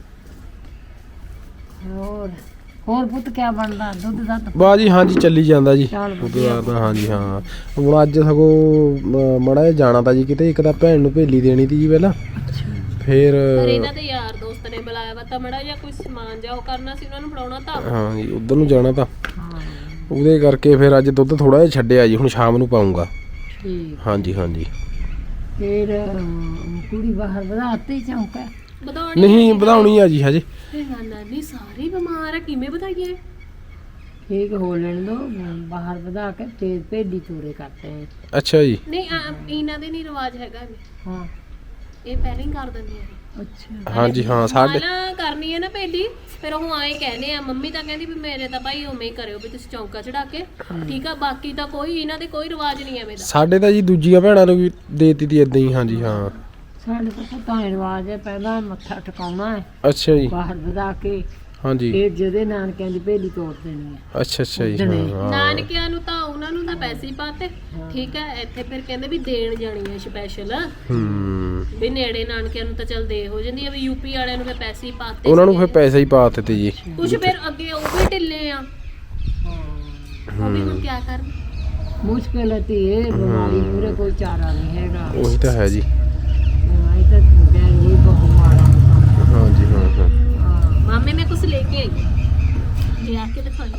Speaker 3: ਹੋਰ ਪੁੱਤ ਕਿਆ ਬਣਦਾ ਦੁੱਧ ਦਾ ਤਾਂ
Speaker 2: ਬਾਜੀ ਹਾਂਜੀ ਚੱਲੀ ਜਾਂਦਾ ਜੀ
Speaker 3: ਚੱਲ
Speaker 2: ਉਹਦਾ ਤਾਂ ਹਾਂਜੀ ਹਾਂ ਹੁਣ ਅੱਜ ਸਗੋਂ ਮੜਾ ਜਿਹਾ ਜਾਣਾ ਤਾਂ ਜੀ ਕਿਤੇ ਇੱਕ ਤਾਂ ਭੈਣ ਨੂੰ ਭੇਲੀ ਦੇਣੀ ਤੀ ਜੀ ਪਹਿਲਾਂ ਫਿਰ
Speaker 1: ਪਰ ਇਹਨਾਂ ਦੇ ਯਾਰ ਦੋਸਤ ਨੇ ਬੁਲਾਇਆ ਵਾ ਤਾਂ ਮੜਾ ਜਾਂ ਕੋਈ ਸਮਾਨ ਜਾ ਉਹ ਕਰਨਾ ਸੀ ਉਹਨਾਂ ਨੂੰ ਫੜਾਉਣਾ ਤਾਂ
Speaker 2: ਹਾਂ ਜੀ ਉਧਰ ਨੂੰ ਜਾਣਾ ਤਾਂ
Speaker 3: ਹਾਂ
Speaker 2: ਉਹਦੇ ਕਰਕੇ ਫਿਰ ਅੱਜ ਦੁੱਧ ਥੋੜਾ ਜਿਹਾ ਛੱਡਿਆ ਜੀ ਹੁਣ ਸ਼ਾਮ ਨੂੰ ਪਾਉਂਗਾ
Speaker 3: ਠੀਕ
Speaker 2: ਹਾਂਜੀ ਹਾਂਜੀ
Speaker 3: ਫਿਰ ਕੁੜੀ ਬਾਹਰ ਵਧਾਤੀ ਚੌਂਕਾ
Speaker 1: ਵਧਾਉਣੀ
Speaker 2: ਨਹੀਂ ਵਧਾਉਣੀ ਆ ਜੀ ਹਜੇ
Speaker 1: ਨਾਨੀ ਸਾਰੇ ਬਿਮਾਰ ਆ ਕਿਵੇਂ ਵਧਾਈਏ
Speaker 3: ਠੀਕ ਹੋ ਲੈਣ ਦੋ ਬਾਹਰ ਵਧਾ ਕੇ ਤੇਜ਼ ਭੇਡੀ ਤੋਰੇ ਕਰਤੇ ਹੈ
Speaker 2: ਅੱਛਾ ਜੀ
Speaker 1: ਨਹੀਂ ਇਹਨਾਂ ਦੇ ਨਹੀਂ ਰਿਵਾਜ ਹੈਗਾ
Speaker 3: ਹਾਂ
Speaker 1: ਇਹ ਪਹਿਲਾਂ ਹੀ ਕਰ ਦਿੰਦੇ ਆ
Speaker 3: ਅੱਛਾ
Speaker 2: ਹਾਂਜੀ ਹਾਂ ਸਾਡੇ
Speaker 1: ਪਹਿਲਾਂ ਕਰਨੀ ਹੈ ਨਾ ਭੇਲੀ ਫਿਰ ਉਹ ਆਏ ਕਹਿੰਦੇ ਆ ਮੰਮੀ ਤਾਂ ਕਹਿੰਦੀ ਵੀ ਮੇਰੇ ਤਾਂ ਭਾਈ ਉਵੇਂ ਹੀ ਕਰਿਓ ਵੀ ਤੁਸੀਂ ਚੌਂਕਾ ਚੜਾ ਕੇ ਠੀਕ ਆ ਬਾਕੀ ਤਾਂ ਕੋਈ ਇਹਨਾਂ ਦੇ ਕੋਈ ਰਿਵਾਜ ਨਹੀਂ ਐਵੇਂ ਦਾ
Speaker 2: ਸਾਡੇ ਤਾਂ ਜੀ ਦੂਜੀਆਂ ਭੈਣਾਂ ਨੂੰ ਵੀ ਦੇਤੀ ਤੀ ਇਦਾਂ ਹੀ ਹਾਂਜੀ ਹਾਂ
Speaker 3: ਸਾਡੇ ਕੋਲ ਤਾਂ ਰਿਵਾਜ ਹੈ ਪਹਿਲਾਂ ਮੱਥਾ ਟਿਕਾਉਣਾ ਹੈ
Speaker 2: ਅੱਛਾ ਜੀ
Speaker 3: ਬਾਹਰ ਵਧਾ ਕੇ
Speaker 2: ਹਾਂਜੀ
Speaker 3: ਇਹ ਜਿਹਦੇ ਨਾਨਕਿਆਂ ਦੀ ਭੇਲੀ ਤੋੜ ਦੇਣੀ ਹੈ।
Speaker 2: ਅੱਛਾ ਜੀ ਹਾਂ
Speaker 1: ਨਾਨਕਿਆਂ ਨੂੰ ਤਾਂ ਉਹਨਾਂ ਨੂੰ ਤਾਂ ਪੈਸੇ ਹੀ ਪਾਤੇ ਠੀਕ ਹੈ। ਇੱਥੇ ਫਿਰ ਕਹਿੰਦੇ ਵੀ ਦੇਣ ਜਾਣੀ ਹੈ ਸਪੈਸ਼ਲ ਵੀ ਨੇੜੇ ਨਾਨਕਿਆਂ ਨੂੰ ਤਾਂ ਚੱਲ ਦੇ ਹੋ ਜਾਂਦੀ ਹੈ ਵੀ ਯੂਪੀ ਵਾਲਿਆਂ ਨੂੰ ਫਿਰ ਪੈਸੇ ਹੀ ਪਾਤੇ
Speaker 2: ਉਹਨਾਂ ਨੂੰ ਫਿਰ ਪੈਸੇ ਹੀ ਪਾ ਦਿੱਤੇ ਜੀ
Speaker 1: ਕੁਝ ਫਿਰ ਅੱਗੇ ਉਹ ਵੀ ਢਿੱਲੇ ਆ ਉਹ ਵੀ ਹੁਣ ਕੀ ਕਰਨ
Speaker 3: ਮੁਸ਼ਕਿਲ ਹੈ ਤੇ ਇਹ ਬਿਮਾਰੀ ਪੂਰੇ ਕੋਈ ਚਾਰਾ ਨਹੀਂ ਹੈਗਾ।
Speaker 2: ਉਹੀ ਤਾਂ ਹੈ ਜੀ
Speaker 3: ਬਿਮਾਰੀ ਤਾਂ ਬੈਗ ਹੀ ਬਹੁਤ ਮਾੜਾ
Speaker 2: ਹਾਂਜੀ ਹਾਂ
Speaker 1: ਮਾਮੇ ਮੈਂ ਕੁਝ ਲੈ ਕੇ ਆਈ ਜੇ ਆ ਕੇ ਦਿਖਾਈ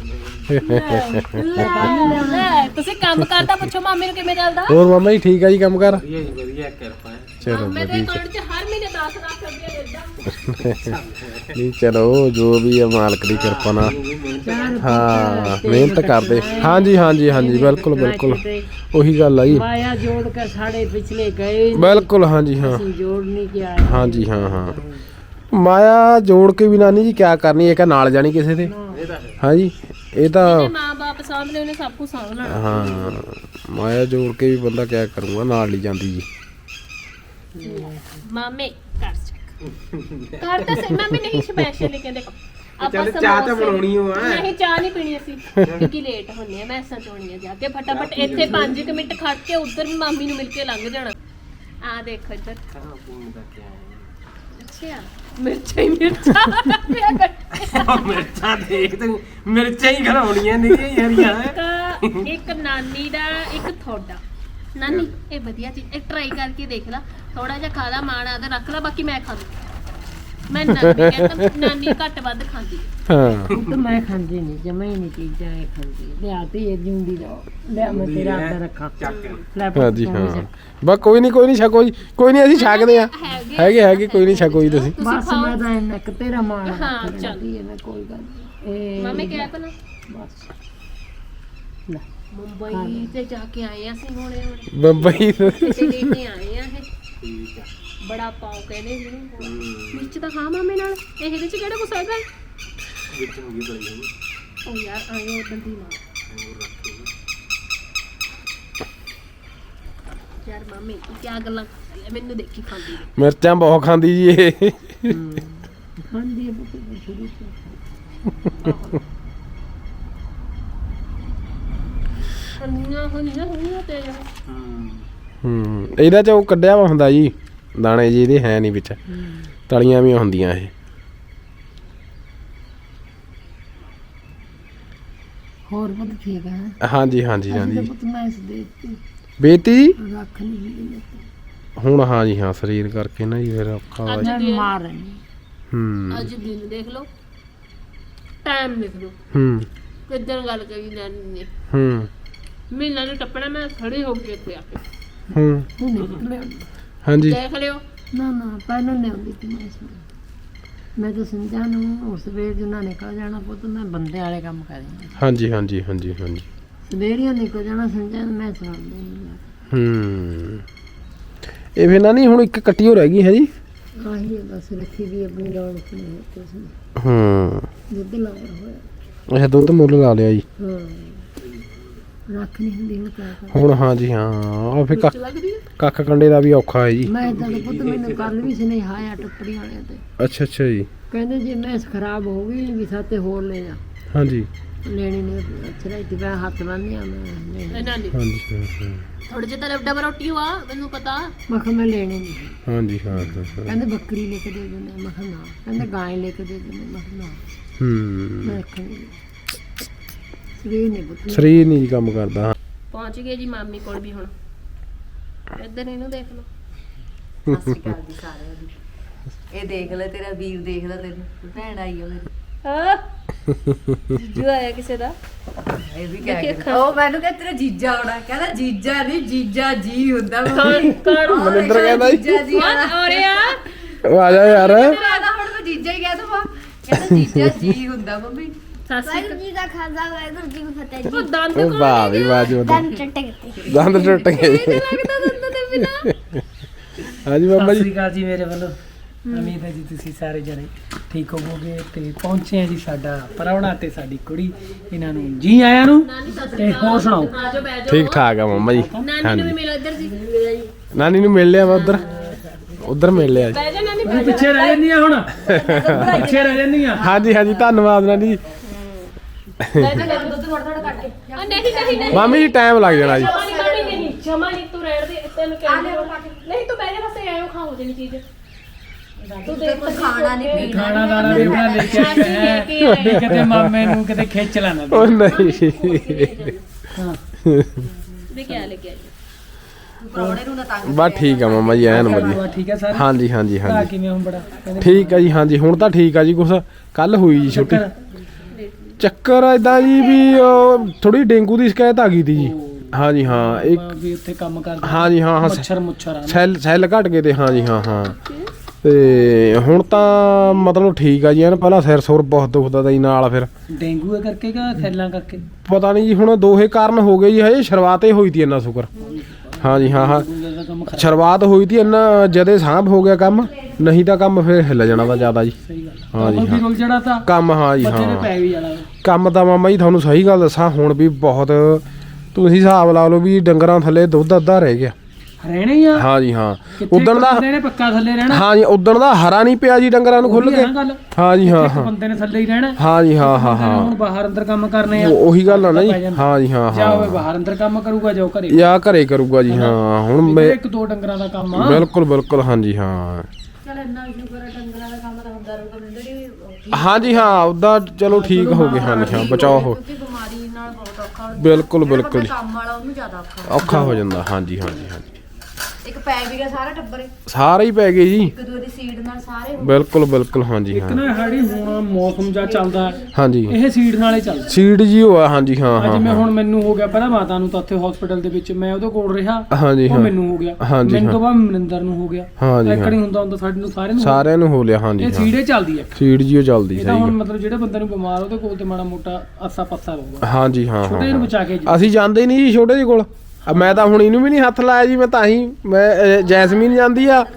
Speaker 1: ਲੈ ਤੁਸੀਂ ਕੰਮ ਕਰਦਾ ਪੁੱਛੋ ਮਾਮੇ ਨੂੰ ਕਿਵੇਂ ਚੱਲਦਾ।
Speaker 2: ਹੋਰ ਮਾਮਾ ਜੀ ਠੀਕ ਆ ਜੀ ਕੰਮ ਕਰ
Speaker 4: ਵਧੀਆ ਕਿਰਪਾ ਹੈ।
Speaker 2: ਚਲੋ
Speaker 1: ਮਾਮੇ ਦੇ
Speaker 2: ਵਧੀਆ
Speaker 1: ਅਕਾਊਂਟ 'ਚ ਹਰ ਮਹੀਨੇ 10 ਲੱਖ ਰੁਪਏ ਮਿਲਦਾ।
Speaker 2: ਨਹੀਂ ਚਲੋ ਜੋ ਵੀ ਹੈ ਮਾਲਕ ਦੀ ਕਿਰਪਾ ਨਾਲ ਹਾਂ ਮਿਹਨਤ ਕਰਦੇ ਹਾਂਜੀ ਹਾਂਜੀ ਹਾਂਜੀ ਬਿਲਕੁਲ ਬਿਲਕੁਲ ਉਹੀ ਗੱਲ ਆ ਜੀ
Speaker 3: ਮਾਇਆ ਜੋੜ ਕੇ ਸਾਡੇ ਪਿਛਲੇ ਗਏ
Speaker 2: ਬਿਲਕੁਲ ਹਾਂਜੀ ਹਾਂ
Speaker 3: ਅਸੀਂ ਜੋੜ ਨਹੀਂ ਕਿਹਾ
Speaker 2: ਹਾਂਜੀ ਹਾਂ ਹਾਂ ਮਾਇਆ ਜੋੜ ਕੇ ਵੀ ਨਾਨੀ ਜੀ ਕਿਆ ਕਰਨੀ ਇਹ ਕਾ ਨਾਲ ਜਾਣੀ ਕਿਸੇ ਦੇ ਹਾਂਜੀ ਇਹ ਤਾਂ
Speaker 1: ਮਾਂ-ਬਾਪ ਸਾਹਮਣੇ ਉਹਨੇ ਸਭ ਕੁਝ ਸਾਂਭਣਾ।
Speaker 2: ਹਾਂ ਮਾਇਆ ਜੋੜ ਕੇ ਵੀ ਬੰਦਾ ਕਿਆ ਕਰੂਗਾ ਨਾਲ ਨਹੀਂ ਜਾਂਦੀ ਜੀ
Speaker 1: ਮਾਮੇ ਕਰ ਚੱਕ ਕਰ ਤਾਂ ਸਹੀ ਮਾਮੇ ਨਹੀਂ ਸਪੈਸ਼ਲ ਕਹਿੰਦੇ
Speaker 4: ਚੱਲ ਚਾਹ ਤਾਂ ਬਣਾਉਣੀ ਓ ਆ।
Speaker 1: ਨਹੀਂ ਚਾਹ ਨਹੀਂ ਪੀਣੀ ਅਸੀਂ ਕਿਉਂਕਿ ਲੇਟ ਹੁੰਨੇ ਆ ਮੈਸਾਂ ਚੋਣੀਆਂ ਜਾ ਕੇ ਫਟਾਫਟ ਇੱਥੇ 5 ਮਿੰਟ ਖੜ ਕੇ ਉੱਧਰ ਵੀ ਮਾਮੀ ਨੂੰ ਮਿਲ ਕੇ ਲੰਘ ਜਾਣਾ। ਆ ਦੇਖੋ ਇੱਧਰ ਅੱਛਾ ਮਿਰਚਾਂ ਹੀ ਮਿਰਚਾਂ
Speaker 4: ਮਿਰਚਾਂ ਦੇਖ ਤੂੰ ਮਿਰਚਾਂ ਹੀ ਘਰਾਉਣੀਆਂ ਨਹੀਂ ਯਾਰੀਆਂ
Speaker 1: ਇੱਕ ਨਾਨੀ ਦਾ ਇੱਕ ਤੁਹਾਡਾ ਨਾਨੀ ਇਹ ਵਧੀਆ ਚੀਜ਼ ਇਹ ਟਰਾਈ ਕਰਕੇ ਦੇਖ ਲਾ ਥੋੜਾ ਜਿਹਾ ਖਾ ਲਾ ਮਾਣਾ ਤੇ ਰੱਖ ਲਾ ਬਾਕੀ ਮੈਂ ਖਾ ਲੂ ਮੈਂ ਨਾਨੀ ਕਹਿੰਦਾ ਨਾਨੀ ਘੱਟ ਵੱਧ ਖਾਂਦੀ
Speaker 2: ਹਾਂ
Speaker 3: ਤਾਂ ਮੈਂ ਖਾਂਦੀ ਨਹੀਂ ਜਮਾ ਹੀ ਨਹੀਂ ਚੀਜ਼ਾਂ ਇਹ ਖਾਂਦੀ ਲਿਆਤੀ ਇਹ ਜਿਉਂਦੀ ਦਾ ਲਿਆ ਮੈਂ ਤੇਰਾ ਹੱਥ ਰੱਖਾਂ ਲੈ ਪੁੱਤ
Speaker 2: ਹਾਂਜੀ
Speaker 3: ਤੂੰ
Speaker 2: ਹਾਂ
Speaker 3: ਵੀ ਛਕ।
Speaker 2: ਬਸ ਕੋਈ ਨਹੀਂ ਛਕੋ ਜੀ ਕੋਈ ਨਹੀਂ ਅਸੀਂ ਛਕਦੇ ਆ ਹੈਗੇ ਕੋਈ ਨਹੀਂ ਛਕੋ ਜੀ ਤੁਸੀਂ
Speaker 3: ਬਸ ਮੈਂ ਤਾਂ ਇੰਨਾ ਕੁ ਤੇਰਾ ਮਾਣ
Speaker 1: ਹਾਂ, ਚੱਲ।
Speaker 3: ਚੱਲਦੀ ਹੈ ਮੈਂ ਕੋਈ ਗੱਲ ਨਹੀਂ ਇਹ
Speaker 1: ਮਾਮੇ ਕਿਹਾ ਪਹਿਲਾਂ
Speaker 3: ਬਸ ਲੈ
Speaker 1: ਮੁੰਬਈ ਤੇ ਜਾ ਕੇ ਆਏ ਆ ਅਸੀਂ ਹੁਣੇ
Speaker 2: ਬੰਬਈ
Speaker 1: ਕਿਤੇ ਲੈ ਕੇ ਆਏ ਆ ਇਹ ਬੜਾ ਪਾਉ ਕਹਿੰਦੇ ਜਿਹਨੂੰ ਮਿਰਚ ਤਾਂ ਖਾ ਮਾਮੇ ਨਾਲ ਇਹਦੇ ਵਿੱਚ ਕਿਹੜਾ ਕੁਛ ਹੈਗਾ
Speaker 4: ਵਿੱਚ ਹੋ ਗਈ ਬੜੀ
Speaker 1: ਉਹ ਯਾਰ ਆਏ ਉਦੋਂ ਦੀ ਨਾ ਯਾਰ ਮਾਮੀ ਕੀ ਗੱਲਾਂ ਕਰਦੀ ਆ ਮੈਨੂੰ ਦੇਖੀ ਖਾਂਦੀ ਨੇ।
Speaker 2: ਮਿਰਚਾਂ ਬਹੁਤ ਖਾਂਦੀ ਜੀ ਇਹ
Speaker 3: ਖਾਂਦੀ ਹੈ ਬਹੁਤ ਸ਼ੁਰੂ ਤੋਂ
Speaker 1: ਹੁੰਦੀਆਂ ਤੇ
Speaker 2: ਇਹਦਾ ਚ ਉਹ ਕੱਢਿਆ ਵਾ ਹੁੰਦਾ ਜੀ ਦਾਣੇ ਜੀ ਇਹਦੇ ਹੈ ਨਹੀਂ ਵਿੱਚ ਤਲੀਆਂ ਵੀ ਹੁੰਦੀਆਂ ਇਹ
Speaker 3: ਹੋਰ ਬਹੁਤ ਠੀਕ ਹੈ
Speaker 2: ਹਾਂਜੀ ਹਾਂਜੀ ਹਾਂਜੀ
Speaker 3: ਪੁੱਤ ਮੈਂ ਇਸ ਦੇਤੀ
Speaker 2: ਬੇਟੀ
Speaker 3: ਰੱਖ ਨਹੀਂ ਲਈ
Speaker 2: ਹੁਣ ਹਾਂਜੀ ਹਾਂ ਸਰੀਰ ਕਰਕੇ ਨਾ ਜੀ ਫਿਰ ਔਖਾ ਵਾ ਜੀ।
Speaker 3: ਮੈਂ ਮਾਰ ਰਹੀ
Speaker 1: ਅੱਜ ਦਿਨ ਦੇਖ ਲਓ ਟਾਈਮ ਦੇਖ ਲਓ ਕਿੱਦਾਂ ਗੱਲ ਕਰੀ ਨਾਨੀ ਨੇ ਮਹੀਨਾ ਨੂੰ ਟੱਪਣਾ ਮੈਂ ਖੜੀ ਹੋ ਕੇ ਇੱਥੇ ਆ ਕੇ
Speaker 3: ਤੂੰ ਨਿਕਲਿਆ
Speaker 2: ਹਾਂਜੀ
Speaker 1: ਦੇਖ ਲਿਓ
Speaker 3: ਨਾ ਨਾ ਪਹਿਲਾਂ ਨਹੀਂ ਆਉਂਦੀ ਸੀ ਮੈਂ ਤਾਂ ਸਮਝਾ ਨੂੰ ਉਸ ਵੇਰ ਜੁਨਾ ਨਿਕਲ ਜਾਣਾ ਪੁੱਤ ਮੈਂ ਬੰਦੇ ਵਾਲੇ ਕੰਮ ਕਰੀ
Speaker 2: ਹਾਂਜੀ ਹਾਂਜੀ ਹਾਂਜੀ ਹਾਂਜੀ
Speaker 3: ਸਵੇਰੀਆਂ ਨਿਕਲ ਜਾਣਾ ਸਮਝਾ ਮੈਂ ਸੁਣਾਉਂਦੀ ਨਹੀਂ
Speaker 2: ਇਹ ਫਿਰ ਨਾ ਨਹੀਂ ਹੁਣ ਇੱਕ ਕੱਟੀ ਹੋ ਰਹਿ ਗਈ ਹੈ ਜੀ
Speaker 3: ਆਹੀ ਹੈ ਬਸ ਰੱਖੀ ਵੀ ਆਪਣੀ ਰੌਣ ਸੁਣੀ ਕੁਛ ਦੁੱਧ ਲਾ ਹੋਇਆ
Speaker 2: ਅੱਛਾ ਦੁੱਧ ਮੁੱਲ ਲਾ ਲਿਆ ਜੀ
Speaker 3: ਹਾਂ ਰੱਖ ਨਹੀਂ ਹੁੰਦੀ ਹੁਣ ਕਿਆ ਕਰਾਂ
Speaker 2: ਹੁਣ ਹਾਂਜੀ ਹਾਂ ਆ ਫਿਰ
Speaker 1: ਲੱਗਦੀ ਹੈ
Speaker 2: ਕੱਖ ਕੰਡੇ ਦਾ ਵੀ ਔਖਾ ਹੈ ਜੀ
Speaker 3: ਮੈਂ ਤਾਂ ਪੁੱਤ ਮੈਨੂੰ ਕੱਲ ਵੀ ਸੁਨੇਹਾ ਆਇਆ ਟੱਪੜੀ ਵਾਲਿਆਂ ਤੇ
Speaker 2: ਅੱਛਾ ਜੀ
Speaker 3: ਕਹਿੰਦੇ ਜੇ ਮੈਂ ਖਰਾਬ ਹੋ ਗਈ ਵੀ ਸਾਤੇ ਹੋਰ ਲੈ ਜਾ
Speaker 2: ਹਾਂਜੀ
Speaker 3: ਲੈਣੀ ਨੇ ਅੱਛਾ ਇੱਥੇ ਮੈਂ ਹੱਥ ਬੰਨਿਆ ਮੈਂ
Speaker 1: ਨਾਨੀ
Speaker 2: ਹਾਂਜੀ ਹਾਂ
Speaker 1: ਥੋੜੇ ਜਿਹਾ ਤਾਂ ਡਬਲ ਰੋਟੀ ਹੋਆ ਮੈਨੂੰ ਪਤਾ
Speaker 3: ਮੈਂ ਕਿਹਾ ਮੈਂ ਲੈਣੀ ਨਹੀਂ
Speaker 2: ਹਾਂਜੀ ਹਾਂ
Speaker 3: ਕਹਿੰਦੇ ਬੱਕਰੀ ਲੈ ਕੇ ਦੇ ਦਿੰਦੇ ਮੈਂ ਕਿਹਾ ਨਾ ਕਹਿੰਦੇ ਗਾਂ ਲੈ ਕੇ ਦੇ ਦਿੰਦੇ ਮੈਂ ਕਿਹਾ ਨਾ ਮੈਂ ਰੱਖਣੀ ਸਰੀਰ ਨਹੀਂ ਪੁੱਤ
Speaker 2: ਸਰੀਰ ਨਹੀਂ ਕੰਮ ਕਰਦਾ
Speaker 1: ਪਹੁੰਚ ਗਏ ਜੀ ਮਾਮੀ ਕੋਲ ਵੀ ਹੁਣ ਇੱਧਰ ਇਹਨੂੰ ਦੇਖ ਲਓ
Speaker 5: ਸਤਿ ਸ਼੍ਰੀ ਅਕਾਲ ਜੀ ਸਾਰਿਆਂ ਨੂੰ। ਇਹ ਦੇਖ ਲੈ ਤੇਰਾ ਵੀਰ ਦੇਖਦਾ ਤੈਨੂੰ ਭੈਣ ਆਈ ਆ ਮੇਰੀ
Speaker 1: ਹਾਂ ਜੀਜੂ ਆਇਆ ਕਿਸੇ ਦਾ
Speaker 5: ਇਹ ਵੀ ਕਹਿ ਗਿਆ ਉਹ ਮੈਨੂੰ ਕਹਿੰਦਾ ਤੇਰਾ ਜੀਜਾ ਆਉਣਾ ਕਹਿੰਦਾ ਜੀਜਾ ਨਹੀਂ ਜੀਜਾ ਜੀ ਹੁੰਦਾ
Speaker 2: ਮਨਿੰਦਰ ਕਹਿੰਦਾ ਜੀ
Speaker 5: ਜੀਜਾ ਜੀ ਆਉਣਾ
Speaker 1: ਔਰਿਆ
Speaker 2: ਉਹ ਆ ਜਾ ਯਾਰ
Speaker 5: ਕਹਿੰਦਾ ਹੁਣ ਮੈਂ ਜੀਜਾ ਹੀ ਕਹਿ ਦਵਾਂ ਕਹਿੰਦਾ ਜੀਜਾ ਜੀ ਹੁੰਦਾ ਮੰਮੀ
Speaker 1: ਸਾਸੀ
Speaker 6: ਜੀ ਦਾ ਖਾਜ਼ਾ ਵਾਹਿਗੁਰੂ ਜੀ ਕੀ ਫਤਿਹ
Speaker 1: ਉਹ ਦੰਦ
Speaker 2: ਉਹ ਵਾਹ ਵੀ ਵਾਹ ਜੀ
Speaker 6: ਦੰਦ ਟੱਟੇ ਗਏ
Speaker 2: ਦੰਦ ਟੁੱਟ ਗਏ
Speaker 1: ਲੱਗਦਾ ਦੰਦ ਦੇ ਬਿਨਾ
Speaker 2: ਹਾਂਜੀ ਬਾਬਾ
Speaker 7: ਸਤਿ
Speaker 2: ਜੀ
Speaker 7: ਸ਼੍ਰੀ ਅਕਾਲ ਜੀ ਮੇਰੇ ਵੱਲੋਂ ਉਮੀਦ ਹੈ ਜੀ ਤੁਸੀਂ ਸਾਰੇ ਜਣੇ ਠੀਕ ਹੋਵੋਗੇ ਤੇ ਪਹੁੰਚੇ ਆ ਜੀ ਸਾਡਾ ਪ੍ਰਾਹੁਣਾ ਤੇ ਸਾਡੀ ਕੁੜੀ ਇਹਨਾਂ ਨੂੰ ਜੀ ਆਇਆਂ ਨੂੰ ਤੇ ਹੋਰ ਸੁਣਾਓ
Speaker 1: ਆਜੋ ਬਹਿ ਜਾਓ
Speaker 2: ਠੀਕ ਠਾਕ ਆ ਮੰਮਾ ਜੀ
Speaker 1: ਨਾਨੀ ਨੂੰ ਵੀ ਮਿਲੋ ਇੱਧਰ ਜੀ
Speaker 2: ਨਾਨੀ ਨੂੰ ਮਿਲ ਲਿਆ ਵਾ ਉਧਰ ਮਿਲ ਲਿਆ ਜੀ
Speaker 1: ਬਹਿ ਜਾ ਨਾਨੀ
Speaker 7: ਤੂੰ ਪਿੱਛੇ ਰਹਿ ਜਾਂਦੀ ਆ ਹੁਣ ਪਿੱਛੇ ਰਹਿ ਜਾਂਦੀ ਆ
Speaker 2: ਹਾਂਜੀ ਹਾਂਜੀ ਧੰਨਵਾਦ ਨਾਨੀ ਜੀ
Speaker 5: ਦੁੱਧ ਥੋੜਾ ਥੋੜਾ ਕੱਢ ਕੇ
Speaker 1: ਨਹੀਂ
Speaker 2: ਮਾਮੀ ਜੀ ਟਾਈਮ ਲੱਗ ਜਾਣਾ ਜੀ
Speaker 1: ਜਮਾ ਨਹੀਂ ਤੂੰ ਰਹਿਣ ਦੇ ਤੈਨੂੰ ਕਹਿੰਦੇ ਨਹੀਂ ਤੂੰ ਬਹਿ ਜਾ ਬਸ ਐਂ ਖਾਓ ਜਿਹੜੀ ਚੀਜ਼ ਤੂੰ ਦੇਖ
Speaker 5: ਖਾਣਾ ਨਹੀਂ ਪੀਣਾ
Speaker 7: ਖਾਣਾ ਦਾਣਾ ਵੀ ਬਣਾ ਲੈ ਕੇ ਆਇਆ ਵੀ ਕਿਤੇ ਮਾਮੇ ਨੂੰ ਕਿਤੇ ਖਿੱਚ ਲੈਣਾ
Speaker 2: ਉਹ ਨਹੀਂ
Speaker 7: ਹਾਂ
Speaker 1: ਵੀ ਕਿਆ ਲੱਗਿਆ
Speaker 5: ਪ੍ਰਾਹੁਣੇ ਨੂੰ ਨਾ ਤੰਗ
Speaker 2: ਬਸ ਠੀਕ ਆ ਮਾਮਾ ਜੀ ਐਨ ਵਧੀਆ
Speaker 7: ਠੀਕ ਹੈ ਸਰ
Speaker 2: ਹਾਂਜੀ ਹਾਂਜੀ
Speaker 7: ਭਰਾ
Speaker 2: ਹਾਂਜੀ
Speaker 7: ਕਿਵੇਂ ਹੁਣ ਬੜਾ ਕਹਿੰਦੇ
Speaker 2: ਠੀਕ ਆ ਜੀ ਹਾਂਜੀ ਹੁਣ ਤਾਂ ਠੀਕ ਆ ਜੀ ਕੁਛ ਕੱਲ ਹੋਈ ਜੀ ਛੁੱਟੀ ਚੱਕਰ ਇਦਾਂ ਜੀ ਵੀ ਥੋੜੀ ਡੇਂਗੂ ਦੀ ਸ਼ਿਕਾਇਤ ਆ ਗਈ ਤੀ ਜੀ ਹਾਂਜੀ ਹਾਂ ਇੱਕ
Speaker 7: ਵੀ ਉੱਥੇ ਕੰਮ ਕਰਦੇ
Speaker 2: ਹਾਂਜੀ ਹਾਂ ਹਾਂ
Speaker 7: ਮੁੱਛਰ ਆ
Speaker 2: ਸੈੱਲ ਘਟ ਗਏ ਤੇ ਹਾਂਜੀ ਹਾਂ ਹਾਂ ਤੇ ਹੁਣ ਤਾਂ ਮਤਲਬ ਠੀਕ ਆ ਜੀ ਐਨ ਪਹਿਲਾਂ ਸਿਰ ਸੁਰ ਬਹੁਤ ਦੁਖਦਾ ਤਾ ਜੀ ਨਾਲ ਫਿਰ
Speaker 7: ਡੇਂਗੂ ਦੇ ਕਰਕੇ ਕਿ ਸੈੱਲਾਂ ਕਰਕੇ
Speaker 2: ਪਤਾ ਨਹੀਂ ਜੀ ਹੁਣ ਦੋਹੇ ਕਾਰਨ ਹੋ ਗਏ ਜੀ ਹਜੇ ਸ਼ੁਰੂਆਤ ਹੀ ਹੋਈ ਤੀ ਇੰਨਾ ਸ਼ੁਕਰ ਹਾਂਜੀ ਹਾਂ ਹਾਂ
Speaker 7: ਦਾ ਕੰਮ ਖਰਾਬ
Speaker 2: ਸ਼ੁਰੂਆਤ ਹੋਈ ਤੀ ਇੰਨਾ ਜਦੇ ਸਾਂਭ ਹੋ ਗਿਆ ਕੰਮ ਨਹੀਂ ਤਾਂ ਕੰਮ ਫਿਰ ਹਿੱਲ ਜਾਣਾ ਵਾ ਜ਼ਿਆਦਾ ਜੀ
Speaker 7: ਸਹੀ ਗੱਲ
Speaker 2: ਹਾਂਜੀ,
Speaker 7: ਕੰਮ ਵੀ ਰੁਲ ਜੜਾ ਤਾਂ
Speaker 2: ਕੰਮ ਹਾਂ ਜੀ
Speaker 7: ਬੱਚੇ ਨੇ
Speaker 2: ਹਾਂ
Speaker 7: ਪੈ ਵੀ ਜਾਣਾ
Speaker 2: ਕੰਮ ਤਾਂ ਮਾਮਾ ਜੀ ਤੁਹਾਨੂੰ ਸਹੀ ਗੱਲ ਦੱਸਾਂ ਹੁਣ ਵੀ ਬਹੁਤ ਤੁਸੀਂ ਹਿਸਾਬ ਲਾ ਲਓ ਵੀ ਡੰਗਰਾਂ ਥੱਲੇ ਦੁੱਧ ਅੱਧਾ ਰਹਿ ਗਿਆ
Speaker 7: ਰਹਿਣੇ ਹੀ ਆ
Speaker 2: ਹਾਂ ਜੀ ਹਾਂ
Speaker 7: ਕਿੱਥੇ
Speaker 2: ਉਦਣ ਦਾ
Speaker 7: ਬੰਦੇ ਨੇ ਪੱਕਾ ਥੱਲੇ ਰਹਿਣਾ
Speaker 2: ਹਾਂ ਜੀ ਉਦਣ ਦਾ ਹਰਾ ਨਹੀਂ ਪਿਆ ਜੀ ਡੰਗਰਾਂ ਨੂੰ ਖੁੱਲ
Speaker 7: ਉਹੀ
Speaker 2: ਕੇ
Speaker 7: ਆ ਨਾ ਗੱਲ
Speaker 2: ਹਾਂ ਜੀ ਹਾਂ
Speaker 7: ਇੱਕ
Speaker 2: ਹਾਂ
Speaker 7: ਬੰਦੇ ਨੇ ਥੱਲੇ ਹੀ ਰਹਿਣਾ
Speaker 2: ਹਾਂ ਜੀ ਹਾਂ ਹਾਂ
Speaker 7: ਬੰਦੇ ਨੇ
Speaker 2: ਹਾਂ
Speaker 7: ਹੁਣ ਬਾਹਰ ਅੰਦਰ ਕੰਮ ਕਰਨੇ ਆ
Speaker 2: ਉਹੀ ਗੱਲ ਆ ਨਾ ਜੀ
Speaker 7: ਪੈ ਜਾਂਦਾ।
Speaker 2: ਹਾਂ ਜੀ ਹਾਂ
Speaker 7: ਜਾਂ ਉਹ
Speaker 2: ਹਾਂ
Speaker 7: ਬਾਹਰ ਅੰਦਰ ਕੰਮ ਕਰੂਗਾ ਜਾਂ ਉਹ ਘਰੇ
Speaker 2: ਜਾਂ ਘਰੇ ਕਰੂਗਾ ਜੀ ਹਾਂ ਹੁਣ ਮੈਂ
Speaker 7: ਇੱਕ ਦੋ ਡੰਗਰਾਂ ਦਾ ਕੰਮ ਆ
Speaker 2: ਬਿਲਕੁਲ ਬਿਲਕੁਲ ਹਾਂ ਜੀ ਹਾਂ
Speaker 5: ਚਲ ਇੰਨਾ ਸ਼ੁਕਰ ਹੈ ਡੰਗਰਾਂ ਦਾ ਕੰਮ ਤਾਂ ਹੁੰਦਾ ਰਹੂਗਾ ਜਿਹੜੀ
Speaker 2: ਹਾਂ ਜੀ ਹਾਂ ਉਦਾਂ ਚਲੋ ਠੀਕ ਹੋ ਗਏ ਹਾਂ ਜੀ ਹਾਂ ਬਚਾਓ ਹੋ
Speaker 5: ਕਿਉਂਕਿ ਬਿਮਾਰੀ ਨਾਲ ਬਹੁਤ ਔਖਾ ਹੁੰਦਾ
Speaker 2: ਬਿਲਕੁਲ ਬਿਲਕੁਲ ਜੀ।
Speaker 5: ਕੰਮ ਵਾਲਾ ਉਹਨੂੰ ਜ਼ਿਆਦਾ ਔਖਾ
Speaker 2: ਔਖਾ ਹੋ ਜਾਂਦਾ ਹਾਂ ਜੀ ਹਾਂ ਜੀ ਹਾਂ ਜੀ
Speaker 5: ਇੱਕ ਪੈ ਵੀ ਗਿਆ ਸਾਰਾ ਟੱਬਰ
Speaker 2: ਸਾਰੇ ਹੀ ਪੈ ਗਏ ਜੀ
Speaker 5: ਇੱਕ ਦੂਜੀ ਸੀਡ ਨਾਲ ਸਾਰੇ
Speaker 2: ਬਿਲਕੁਲ ਬਿਲਕੁਲ ਹਾਂ ਜੀ
Speaker 7: ਇੱਕ
Speaker 2: ਹਾਂ
Speaker 7: ਨਾ ਸਾਡੀ ਹੁਣ ਮੌਸਮ ਜਾਂ ਚੱਲਦਾ
Speaker 2: ਹਾਂ ਜੀ
Speaker 7: ਇਹ ਸੀਡ ਨਾਲੇ ਚੱਲਦਾ
Speaker 2: ਸੀਡ ਜੀ ਹੋਆ ਹਾਂ ਜੀ ਹਾਂ ਹਾਂ
Speaker 7: ਜਿਵੇਂ
Speaker 2: ਹਾਂ
Speaker 7: ਹੁਣ ਮੈਨੂੰ ਹੋ ਗਿਆ ਪਹਿਲਾਂ ਮਾਤਾ ਨੂੰ ਤਾਂ ਉੱਥੇ ਹਸਪੀਟਲ ਦੇ ਵਿੱਚ ਮੈਂ ਉਹਦੇ ਕੋਲ ਰਿਹਾ
Speaker 2: ਹਾਂ ਜੀ
Speaker 7: ਉਹ
Speaker 2: ਹਾਂ
Speaker 7: ਮੈਨੂੰ ਹੋ ਗਿਆ
Speaker 2: ਹਾਂਜੀ,
Speaker 7: ਮੈਨੂੰ ਤੋਂ
Speaker 2: ਹਾਂ।
Speaker 7: ਬਾਅਦ ਮਨਿੰਦਰ ਨੂੰ ਹੋ ਗਿਆ
Speaker 2: ਹਾਂ ਜੀ
Speaker 7: ਇੱਕ
Speaker 2: ਹਾਂ
Speaker 7: ਨਹੀਂ ਹੁੰਦਾ ਹੁੰਦਾ ਸਾਡੇ ਨੂੰ ਸਾਰਿਆਂ ਨੂੰ
Speaker 2: ਸਾਰਿਆਂ ਨੂੰ ਹੋ ਲਿਆ ਹਾਂ ਜੀ
Speaker 7: ਇਹ
Speaker 2: ਹਾਂ
Speaker 7: ਸੀੜੇ ਚੱਲਦੀ ਹੈ
Speaker 2: ਸੀਡ ਜੀ ਉਹ ਚੱਲਦੀ
Speaker 7: ਇਹ ਤਾਂ
Speaker 2: ਸਹੀ
Speaker 7: ਹੁਣ
Speaker 2: ਗੱਲ
Speaker 7: ਮਤਲਬ ਜਿਹੜੇ ਬੰਦੇ ਨੂੰ ਬਿਮਾਰ ਉਹਦੇ ਕੋਲ ਤੇ ਮਾੜਾ ਮੋਟਾ ਆਸਾ ਪਾਸਾ ਰਹੂਗਾ
Speaker 2: ਹਾਂ ਜੀ ਹਾਂ
Speaker 7: ਛੋਟੇ
Speaker 2: ਹਾਂ
Speaker 7: ਨੂੰ ਬਚਾ ਕੇ ਜੀ
Speaker 2: ਅਸੀਂ ਜਾਂਦੇ ਹੀ ਨਹੀਂ ਜੀ ਛੋਟੇ ਜੀ ਕੋਲ ਮੈਂ ਤਾਂ ਹੁਣ ਇਹਨੂੰ ਵੀ ਨਹੀਂ ਹੱਥ ਲਾਇਆ ਜੀ ਮੈਂ ਤਾਂ ਹੀ ਮੈਂ ਜੈਸਮੀਨ ਜਾਂਦੀ ਆ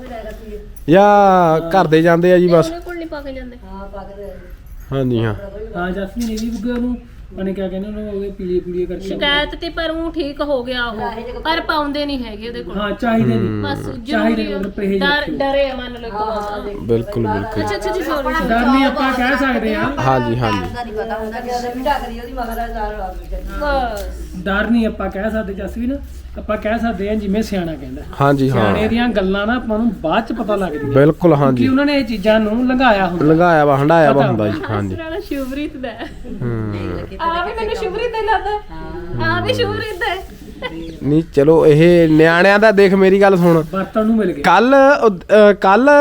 Speaker 2: ਜਾਂ ਘਰ ਦੇ ਜਾਂਦੇ ਆ ਜੀ ਬਸ
Speaker 1: ਕੋਲ ਨਹੀਂ ਪਾ ਕੇ ਜਾਂਦੇ
Speaker 2: ਹਾਂ ਜੀ ਹਾਂ
Speaker 7: ਹਾਂ ਜਸਮੀਨ ਨੇ ਵੀ ਬੁੱਗੇ ਉਹਨੂੰ ਉਹਨੇ ਕਿਆ ਕਹਿੰਦੇ ਉਹਨੂੰ ਉਹਦੇ ਪੀਲੀਏ ਕਰਕੇ
Speaker 1: ਸ਼ਿਕਾਇਤ ਤੇ ਪਰ ਉਹ ਠੀਕ ਹੋ ਗਿਆ ਉਹ ਪਰ ਪਾਉਂਦੇ ਨਹੀਂ ਹੈਗੇ ਉਹਦੇ ਕੋਲ
Speaker 7: ਹਾਂ ਚਾਹੀਦੇ ਨੇ
Speaker 1: ਬਸ
Speaker 7: ਚਾਹੀਦੇ
Speaker 1: ਜ਼ਰੂਰੀ
Speaker 7: ਨੇ ਪਰਹੇਜ਼ ਰੱਖਿਓ।
Speaker 1: ਡਰੇ ਆ ਮੰਨ ਲਓ ਇੱਕ ਵਾਰ ਦੇ
Speaker 2: ਬਿਲਕੁਲ ਬਿਲਕੁਲ
Speaker 1: ਅੱਛਾ ਜੀ ਸੌਰੀ
Speaker 7: ਡਰ ਨਹੀਂ ਆਪਾਂ ਕਹਿ ਸਕਦੇ ਆ
Speaker 2: ਹਾਂ ਜੀ ਹਾਂ ਜੀ
Speaker 5: ਦਾ ਨਹੀਂ ਪਤਾ ਹੁੰਦਾ ਕਿ ਉਹਦੇ ਮਿਟਾ ਕਰੀ ਉਹਦੀ ਮਗਰ ਹਜ਼ਾਰ ਆ ਗਈ
Speaker 1: ਬਸ
Speaker 7: ਡਰ ਨਹੀਂ ਆਪਾਂ ਕਹਿ ਸਕਦੇ ਜਸਮੀਨ ਆਪਾਂ ਕਹਿ ਸਕਦੇ ਆ ਜਿਵੇਂ ਸਿਆਣਾ ਕਹਿੰਦਾ
Speaker 2: ਹਾਂ ਜੀ ਹਾਂ
Speaker 7: ਸਿਆਣੇ ਦੀਆਂ ਗੱਲਾਂ ਨਾ ਆਪਾਂ ਨੂੰ ਬਾਅਦ ਚ ਪਤਾ ਲੱਗਦੀਆਂ
Speaker 2: ਬਿਲਕੁਲ ਹਾਂ
Speaker 7: ਕਿ
Speaker 2: ਜੀ
Speaker 7: ਉਹਨਾਂ ਨੇ ਇਹ ਚੀਜ਼ਾਂ ਨੂੰ ਲੰਘਾਇਆ ਹੁੰਦਾ
Speaker 2: ਲੰਘਾਇਆ ਵਾ ਹੰਡਾਇਆ ਵਾ ਹੁੰਦਾ ਜੀ ਹਾਂ ਜੀ
Speaker 1: ਵਾਲਾ ਸ਼ੁਭਰੀਤ ਦਾ
Speaker 2: ਹੂੰ
Speaker 1: ਆ ਵੀ ਮੈਨੂੰ ਸ਼ੁਭਰੀਤ ਦਾ ਲੱਗਦਾ ਆ ਵੀ ਸ਼ੁਭਰੀਤ ਦਾ
Speaker 2: ਨਹੀਂ ਚਲੋ ਇਹ ਨਿਆਣਿਆਂ ਦਾ ਦੇਖ ਮੇਰੀ ਗੱਲ ਸੁਣ
Speaker 7: ਵਰਤਣ ਨੂੰ ਮਿਲ ਗਏ
Speaker 2: ਕੱਲ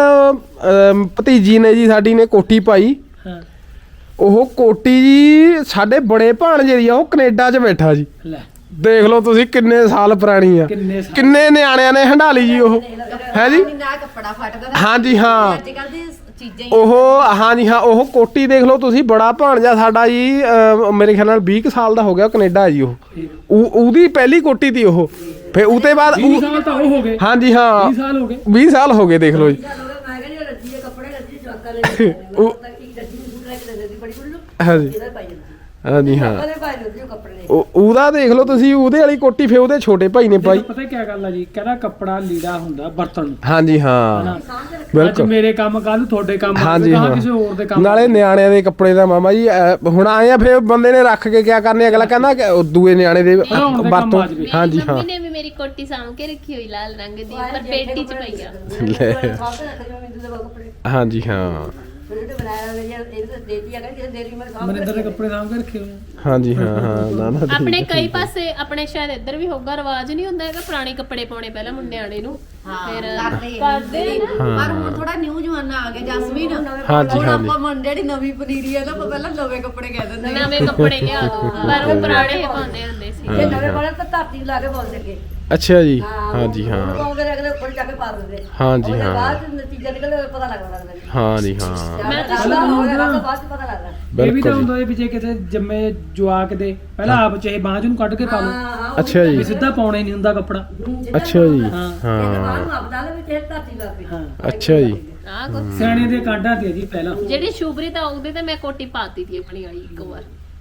Speaker 2: ਭਤੀਜੀ ਨੇ ਜੀ ਸਾਡੀ ਨੇ ਕੋਟੀ ਪਾਈ
Speaker 7: ਹਾਂ
Speaker 2: ਉਹ ਕੋਟੀ ਜੀ ਸਾਡੇ ਬੜੇ ਭਾਣਜੇ ਦੀ ਆ ਉਹ ਕੈਨੇਡਾ 'ਚ ਬੈਠਾ ਜੀ
Speaker 7: ਲੈ
Speaker 2: ਦੇਖ ਲਓ ਤੁਸੀਂ ਕਿੰਨੇ ਸਾਲ ਪੁਰਾਣੀ ਆ
Speaker 7: ਕਿੰਨੇ ਸਾਲ
Speaker 2: ਕਿੰਨੇ ਨਿਆਣਿਆਂ ਨੇ ਹੰਡਾਲੀ ਜੀ ਉਹ ਹੈ ਜੀ
Speaker 5: ਨਾ ਕੱਪੜਾ ਫਟਦਾ
Speaker 2: ਹਾਂ ਜੀ ਹਾਂ
Speaker 5: ਅੱਜ ਕੱਲ ਦੀ ਚੀਜ਼ਾਂ ਹੀ
Speaker 2: ਉਹ ਹਾਂ ਜੀ ਹਾਂ ਉਹ ਕੋਟੀ ਦੇਖ ਲਓ ਤੁਸੀਂ ਬੜਾ ਭਾਣਜਾ ਸਾਡਾ ਜੀ ਮੇਰੇ ਖਿਆਲ ਨਾਲ 20 ਕੁ ਸਾਲ ਦਾ ਹੋ ਗਿਆ ਕੈਨੇਡਾ ਜੀ ਉਹਦੀ ਪਹਿਲੀ ਕੋਟੀ ਤੀ ਉਹ ਫਿਰ ਉਹਦੇ ਬਾਅਦ
Speaker 7: 20 ਸਾਲ ਤਾਂ ਉਹ ਹੋ ਗਏ
Speaker 2: ਹਾਂ ਜੀ ਹਾਂ
Speaker 7: 20 ਸਾਲ ਹੋ ਗਏ
Speaker 2: 20 ਸਾਲ ਹੋ ਗਏ ਦੇਖ ਲਓ ਜੀ
Speaker 5: ਮੈਂ ਕਹਿੰਦੀ ਰੱਜੀ ਦੇ ਕੱਪੜੇ ਰੱਜੀ ਜਵਾਕਾਂ ਲੈ
Speaker 2: ਉਹ
Speaker 5: ਇੱਕ ਰੱਜੀ ਨੂੰ ਸੂਟ ਲੈ ਕੇ ਦੇ ਦਿੰਦੀ ਬੜੀ ਕੁੜੀ ਨੂੰ
Speaker 2: ਹਾਂ ਜੀ
Speaker 5: ਇਹਦਾ ਪਾਈ ਜਾਂਦੀ
Speaker 2: ਹਾਂ ਜੀ ਹਾਂ
Speaker 5: ਉਹਦੇ ਪਾਈ ਜਾਂਦੀ ਉਹ ਕੱਪੜੇ
Speaker 2: ਉਹਦਾ ਦੇਖ ਲਓ ਤੁਸੀਂ ਉਹਦੇ ਵਾਲੀ ਕੋਟੀ ਫਿਰ ਉਹਦੇ ਛੋਟੇ ਭਾਈ ਨੇ ਪਾਈ
Speaker 7: ਪਤਾ ਕੀ ਗੱਲ ਆ ਜੀ ਕਹਿੰਦਾ ਕੱਪੜਾ ਲੀੜਾ ਹੁੰਦਾ ਵਰਤਣ ਨੂੰ
Speaker 2: ਹਾਂ ਜੀ ਹਾਂ
Speaker 7: ਅੱਜ
Speaker 2: ਬਿਲਕੁਲ
Speaker 7: ਮੇਰੇ ਕੰਮ ਕੱਲ ਤੁਹਾਡੇ ਕੰਮ
Speaker 2: ਹਾਂ ਜੀ ਹਾਂ
Speaker 7: ਕਿਸੇ ਹੋਰ ਦੇ ਕੰਮ
Speaker 2: ਨਾਲੇ ਨਿਆਣਿਆਂ ਦੇ ਕੱਪੜੇ ਦਾ ਮਾਮਾ ਜੀ ਹੁਣ ਆਏ ਆ ਫਿਰ ਬੰਦੇ ਨੇ ਰੱਖ ਕੇ ਕਿਆ ਕਰਨੇ ਅਗਲਾ ਕਹਿੰਦਾ ਕਿ ਉਹ ਦੂਏ ਨਿਆਣੇ ਦੇ
Speaker 7: ਖਿਡਾਉਣ ਦੇ ਕੰਮ
Speaker 2: ਵਰਤੋਂ
Speaker 7: ਆ ਜਾਵੇ।
Speaker 2: ਹਾਂ ਜੀ ਹਾਂ
Speaker 1: ਮੰਮੀ ਨੇ ਵੀ ਮੇਰੀ ਕੋਟੀ ਸਾਂਭ ਕੇ ਰੱਖੀ ਹੋਈ ਲਾਲ ਰੰਗ ਦੀ ਪਰ ਪੇਟੀ 'ਚ ਪਈ ਆ
Speaker 2: ਲੈ
Speaker 5: ਮਿੰਦੂ ਦੇ ਕੱਪੜੇ
Speaker 2: ਹਾਂ ਜੀ ਹਾਂ
Speaker 5: ਫਿਰ ਉਹਨੇ ਬਣਾਇਆ ਹੋਇਆ ਯਾਰ ਇਹ ਤਾਂ ਦੇਤੀ ਆ ਕਹਿੰਦੀ ਦੇਰੀ ਮੈਂ ਸਾਹਮਣੇ
Speaker 7: ਮਨਿੰਦਰ ਦੇ ਕੱਪੜੇ ਸਾਂਭ ਕੇ ਰੱਖੇ ਹੋਏ ਆ।
Speaker 2: ਹਾਂ ਜੀ ਹਾਂ ਹਾਂ ਨਾ ਨਾ
Speaker 1: ਆਪਣੇ ਕਈ ਪਾਸੇ ਆਪਣੇ ਸ਼ਾਇਦ ਇੱਧਰ ਵੀ ਹੋਊਗਾ ਰਿਵਾਜ ਨਹੀਂ ਹੁੰਦਾ ਹੈਗਾ ਪੁਰਾਣੇ ਕੱਪੜੇ ਪਾਉਣੇ ਪਹਿਲਾਂ ਮੁੰਡਿਆਣੇ ਨੂੰ ਫਿਰ ਕਰਦੇ ਨੇ ਨਾ
Speaker 5: ਪਰ ਹੁਣ ਥੋੜਾ ਨਿਊ ਜਮਾਨਾ ਆ ਗਿਆ ਜਸਮੀਨ
Speaker 2: ਹਾਂ ਜੀ,
Speaker 5: ਹੁਣ
Speaker 2: ਹਾਂ ਜੀ।
Speaker 5: ਆਪਾਂ ਮੰਡੇ ਦੀ ਨਵੀਂ ਪਨੀਰੀ ਆ ਨਾ ਆਪਾਂ ਪਹਿਲਾਂ ਨਵੇਂ ਕੱਪੜੇ ਕਹਿ ਦਿੰਦੇ ਆ
Speaker 1: ਨਵੇਂ ਕੱਪੜੇ ਲਿਆ ਦੋ ਪਰ ਉਹ ਪੁਰਾਣੇ ਪਾਉਂਦੇ ਹੁੰਦੇ ਸੀ
Speaker 5: ਇਹ ਨਵੇਂ ਵਾਲੇ ਤਾਂ ਧਰਤੀ ਲਾ ਕੇ ਪਾਉਂਦੇ ਅੱਗੇ
Speaker 2: ਅੱਛਾ ਜੀ ਹਾਂ ਜੀ
Speaker 5: ਉਹ
Speaker 2: ਹਾਂ
Speaker 5: ਪਾਉਂਦੇ ਨੇ ਅਗਲੇ ਉੱਪਰ ਜਾ ਕੇ ਪਾ ਦਿੰਦੇ
Speaker 2: ਹਾਂ ਜੀ
Speaker 5: ਉਹਦੇ
Speaker 2: ਹਾਂ
Speaker 5: ਬਾਅਦ ਚ ਨਤੀਜਾ ਨਿਕਲਦਾ ਪਤਾ ਲੱਗਦਾ ਜੀ
Speaker 2: ਹਾਂ ਜੀ ਹਾਂ
Speaker 1: ਮੈਂ ਤਾਂ
Speaker 5: ਪਹਿਲਾਂ ਹੋ ਗਿਆ ਤਾਂ ਬਾਅਦ ਚ ਪਤਾ ਲੱਗਦਾ
Speaker 7: ਇਹ ਵੀ ਤਾਂ
Speaker 2: ਬਿਲਕੁਲ ਜੀ।
Speaker 7: ਹੁੰਦਾ ਇਹ ਪਿੱਛੇ ਕਿਤੇ ਜੰਮੇ ਜਵਾਕ ਦੇ ਪਹਿਲਾਂ ਆਪ ਚਾਹੇ ਬਾਂਝ ਨੂੰ ਕੱਢ ਕੇ ਪਾ ਲਓ
Speaker 5: ਹਾਂ
Speaker 2: ਅੱਛਾ
Speaker 7: ਵੀ
Speaker 2: ਜੀ
Speaker 7: ਸਿੱਧਾ ਪਾਉਣਾ ਹੀ ਨਹੀਂ ਹੁੰਦਾ ਕੱਪੜਾ
Speaker 2: ਅੱਛਾ ਜੀ
Speaker 7: ਹਾਂ।
Speaker 2: ਹਾਂ
Speaker 5: ਬਾਹਰ ਨੂੰ ਆਪਦਾ ਲੈ ਵਿੱਚ ਇਹ ਧਰਤੀ ਲਾ ਕੇ
Speaker 7: ਹਾਂ
Speaker 2: ਅੱਛਾ ਜੀ
Speaker 1: ਆ ਕੁਛ
Speaker 7: ਸਿਆਣੇ ਦੇ ਕਾਢਾਂ ਤੇ ਜੀ ਪਹਿਲਾਂ
Speaker 1: ਜਿਹੜੀ ਸ਼ੁਭਰੀਤ ਆ ਉਹਦੇ ਤੇ ਮੈਂ ਕੋਟੀ ਪਾਤੀ ਸੀ ਆਪਣੀ ਵਾਲੀ ਇੱਕ ਵਾਰ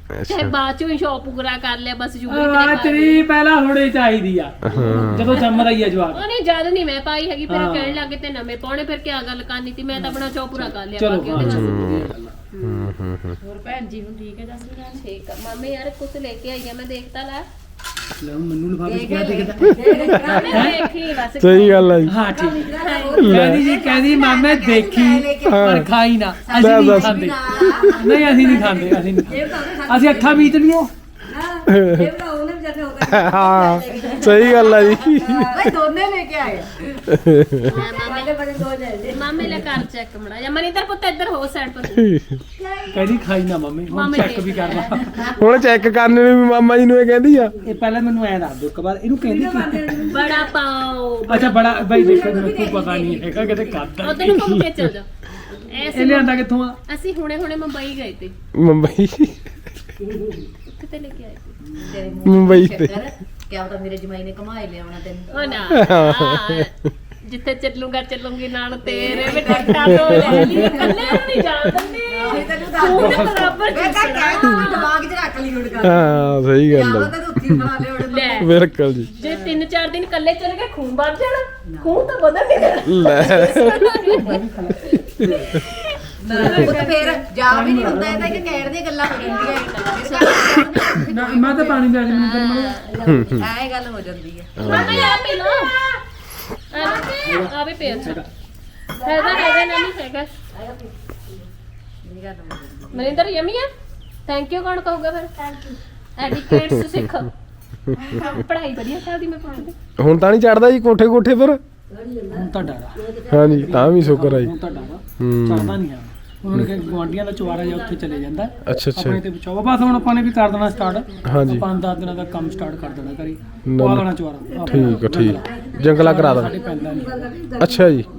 Speaker 1: ਚਾਹੇ ਬਾਅਦ ਚੋਂ ਹੀ ਸ਼ੌਪ ਪੂਰਾ ਕਰ ਲਿਆ ਬਸ ਜੂਬਲੀ
Speaker 7: ਤੇਰੀ ਪਹਿਲਾਂ ਹੋਣੀ ਚਾਹੀਦੀ ਆ ਜਦੋਂ ਜੰਮ ਰਹੀ ਆ ਜਵਾਕ
Speaker 1: ਉਹਨੇ ਜਦ ਨਹੀਂ ਮੈਂ ਪਾਈ ਹੈਗੀ ਫਿਰ ਕਹਿਣ ਲੱਗੇ ਤੇ ਨਵੇਂ ਪਾਉਣੇ ਫਿਰ ਕੀ ਗੱਲ ਕਰਨੀ ਸੀ ਮੈਂ ਤਾਂ ਆਪਣਾ ਸ਼ੌਪ ਪੂਰਾ ਕਰ ਲਿਆ
Speaker 7: ਚਲੋ
Speaker 1: ਬਾਕੀ ਉਹਦੇ ਵਾਸਤੇ
Speaker 5: ਹੋਰ ਭੈਣ ਜੀ ਹੁਣ ਠੀਕ ਹੈ ਜਸਮੀਨ
Speaker 1: ਠੀਕ ਆ ਮਾਮੇ ਯਾਰ ਕੁਝ ਲੈ ਕੇ ਆਈ ਆ ਮੈਂ ਦੇਖਤਾ ਲੈ
Speaker 7: ਲੈ ਹੁਣ ਮੈਨੂੰ ਲਿਫਾਫੇ ਕਿਹਾ ਦੇਖਦਾ
Speaker 1: ਦੇਖੀ ਬਸ
Speaker 2: ਸਹੀ ਗੱਲ ਆ ਜੀ
Speaker 7: ਹਾਂ ਠੀਕ ਕਹਿੰਦੀ ਮਾਮੇ ਦੇਖੀ ਪਰ ਖਾਈ ਨਾ ਅਸੀਂ ਨਹੀਂ ਖਾਂਦੇ ਨਹੀਂ ਅਸੀਂ ਨਹੀਂ ਖਾਂਦੇ ਅਸੀਂ ਅੱਖਾਂ ਮੀਚ ਲਈਏ
Speaker 5: ਇਹ ਬਣਾਉ ਨੇ ਜਦ ਹੋ ਗਿਆ
Speaker 2: ਹਾਂ ਸਹੀ ਗੱਲ ਆ ਜੀ
Speaker 5: ਭਾਈ ਦੋਨੇ ਲੈ ਕੇ ਆਏ
Speaker 1: ਮਾਮੇ
Speaker 5: ਬੜੇ ਦੋ ਲੈ
Speaker 1: ਮਾਮੇ ਲੈ ਕਰ ਚੈੱਕ ਮੜਾ ਜਾਂ ਮਨਿੰਦਰ ਪੁੱਤ ਇੱਧਰ ਹੋ ਸਾਈਡ ਪਰ
Speaker 7: ਕਹਿੰਦੀ ਖਾਈ ਨਾ ਮੰਮੀ ਹੁਣ ਚੈੱਕ ਵੀ ਕਰਨਾ
Speaker 2: ਹੁਣ ਚੈੱਕ ਕਰਨੇ ਨੂੰ ਵੀ ਮਾਮਾ ਜੀ ਨੂੰ ਇਹ ਕਹਿੰਦੀ ਆ
Speaker 7: ਇਹ ਪਹਿਲਾਂ ਮੈਨੂੰ ਐ ਦੱਸ ਦਿਓ ਇੱਕ ਵਾਰ ਇਹਨੂੰ ਕਹਿੰਦੀ ਕੀ
Speaker 1: ਬੜਾ ਪਾਓ
Speaker 7: ਅੱਛਾ ਬੜਾ ਬਾਈ ਦੇਖੋ ਮੈਨੂੰ ਪਤਾ ਨਹੀਂ ਹੈਗਾ ਕਿਤੇ ਕਰਦਾ
Speaker 1: ਉਧਰ ਨੂੰ ਘੁੰਮ ਕੇ ਚੱਲ ਜਾ
Speaker 7: ਇਹ ਲਿਆਂਦਾ ਕਿੱਥੋਂ ਆ
Speaker 1: ਅਸੀਂ ਹੁਣੇ ਮੁੰਬਈ ਗਏ ਤੇ
Speaker 2: ਮੁੰਬਈ
Speaker 1: ਕਿਤੇ ਲੈ ਕੇ ਆਏ ਤੇ
Speaker 2: ਮੁੰਬਈ ਤੇ
Speaker 5: ਕਿਆ ਪਤਾ ਮੇਰੇ ਜਮਾਈ ਨੇ ਕਮਾਈ ਲਿਆਉਣਾ ਤੈਨੂੰ
Speaker 1: ਉਹ ਨਾ ਜਿੱਥੇ ਚੱਲੂੰਗੀ ਨਾਲ ਤੇਰੇ ਵੀ ਟੱਕਾ ਤੋਂ ਲੈ ਲਈ ਕੱਲੇ ਨਹੀਂ ਜਾਣ ਦਿੰਦੇ
Speaker 5: ਤੈਨੂੰ
Speaker 1: ਤੂੰ ਤਾਂ ਬਰਾਬਰ
Speaker 5: ਮੈਂ ਕਹਾਂ ਕਹਿ ਦਿਮਾਗ 'ਚ ਰੱਖ ਲਈ ਹੁਣ ਗੱਲ
Speaker 2: ਹਾਂ ਸਹੀ ਗੱਲ
Speaker 5: ਕਿਆ
Speaker 2: ਆ
Speaker 5: ਤੈਨੂੰ ਉੱਥੇ ਬਣਾ ਲਿਆ
Speaker 1: ਲੈ
Speaker 2: ਬਿਲਕੁਲ ਜੀ
Speaker 1: ਜੇ 3-4 ਦਿਨ ਕੱਲੇ ਚਲੇ ਗਏ ਖੂਨ ਵੱਧ ਜਾਣਾ ਖੂਨ ਤਾਂ ਵਧਣ ਨਹੀਂ ਦੇਣਾ
Speaker 2: ਲੈ
Speaker 5: ਉਹ ਫੇਰ ਜਾ ਵੀ ਨਹੀਂ ਹੁੰਦਾ ਇਹ ਤਾਂ ਕਿ ਕਹਿਣ ਦੀਆਂ ਗੱਲਾਂ ਹੋ ਜਾਂਦੀਆਂ
Speaker 7: ਨਾ ਮੈਂ ਤਾਂ ਪਾਣੀ ਦੇ ਮੈਨੂੰ
Speaker 5: ਐ ਗੱਲ ਹੋ ਜਾਂਦੀ ਹੈ
Speaker 1: ਮਾਮਾ ਯਾਰ ਪੀ ਲੋ ਆ ਵੀ ਪੀ ਅੱਛਾ ਹੈਗਾ ਨਹੀਂ ਹੈਗਾ
Speaker 5: ਇਹ ਗੱਲ ਹੋ ਜਾਂਦੀ
Speaker 1: ਮਨਿੰਦਰ ਯਮੀ ਆ ਥੈਂਕ ਯੂ ਕੌਣ ਕਹੂਗਾ ਫਿਰ ਥੈਂਕ ਯੂ ਐਡੀਕੇਟਸ ਸਿੱਖ ਪੜ੍ਹਾਈ ਵਧੀਆ ਚੱਲਦੀ ਮੈਂ ਪੜ੍ਹਦੀ
Speaker 2: ਹੁਣ ਤਾਂ ਨਹੀਂ ਚੜਦਾ ਜੀ ਕੋਠੇ ਕੋਠੇ ਪਰ
Speaker 7: ਹੁਣ ਤਾਂ ਡਰਾ
Speaker 2: ਹਾਂਜੀ ਤਾਂ ਵੀ ਸ਼ੁਕਰ ਆ ਜੀ
Speaker 7: ਹੁਣ ਤਾਂ ਡਰਾ ਚੜਦਾ ਨਹੀਂ ਆ ਉਹਨਾਂ ਨੇ ਗਵਾਂਡੀਆਂ ਦਾ ਚੁਆਰਾ ਜਾਂ ਉੱਥੇ ਚਲੇ ਜਾਂਦਾ
Speaker 2: ਅੱਛਾ ਅੱਛਾ
Speaker 7: ਆਪਣੇ ਤੇ ਬਚਾਓ ਬਸ ਹੁਣ ਆਪਾਂ ਨੇ ਵੀ ਕਰ ਦੇਣਾ ਸਟਾਰਟ
Speaker 2: ਹਾਂਜੀ
Speaker 7: 5-10 ਦਿਨਾਂ ਦਾ ਕੰਮ ਸਟਾਰਟ ਕਰ ਦੇਣਾ ਕਰੀ
Speaker 2: ਨਾ,
Speaker 7: ਪਵਾ
Speaker 2: ਨਾ।
Speaker 7: ਲੈਣਾ ਚੁਆਰਾ
Speaker 2: ਠੀਕ ਆ ਠੀਕ ਜੰਗਲਾ ਕਰਾ
Speaker 7: ਸਾਡੇ
Speaker 2: ਦੋ
Speaker 7: ਪੈਂਦਾ ਨਹੀਂ
Speaker 2: ਅੱਛਾ ਜੀ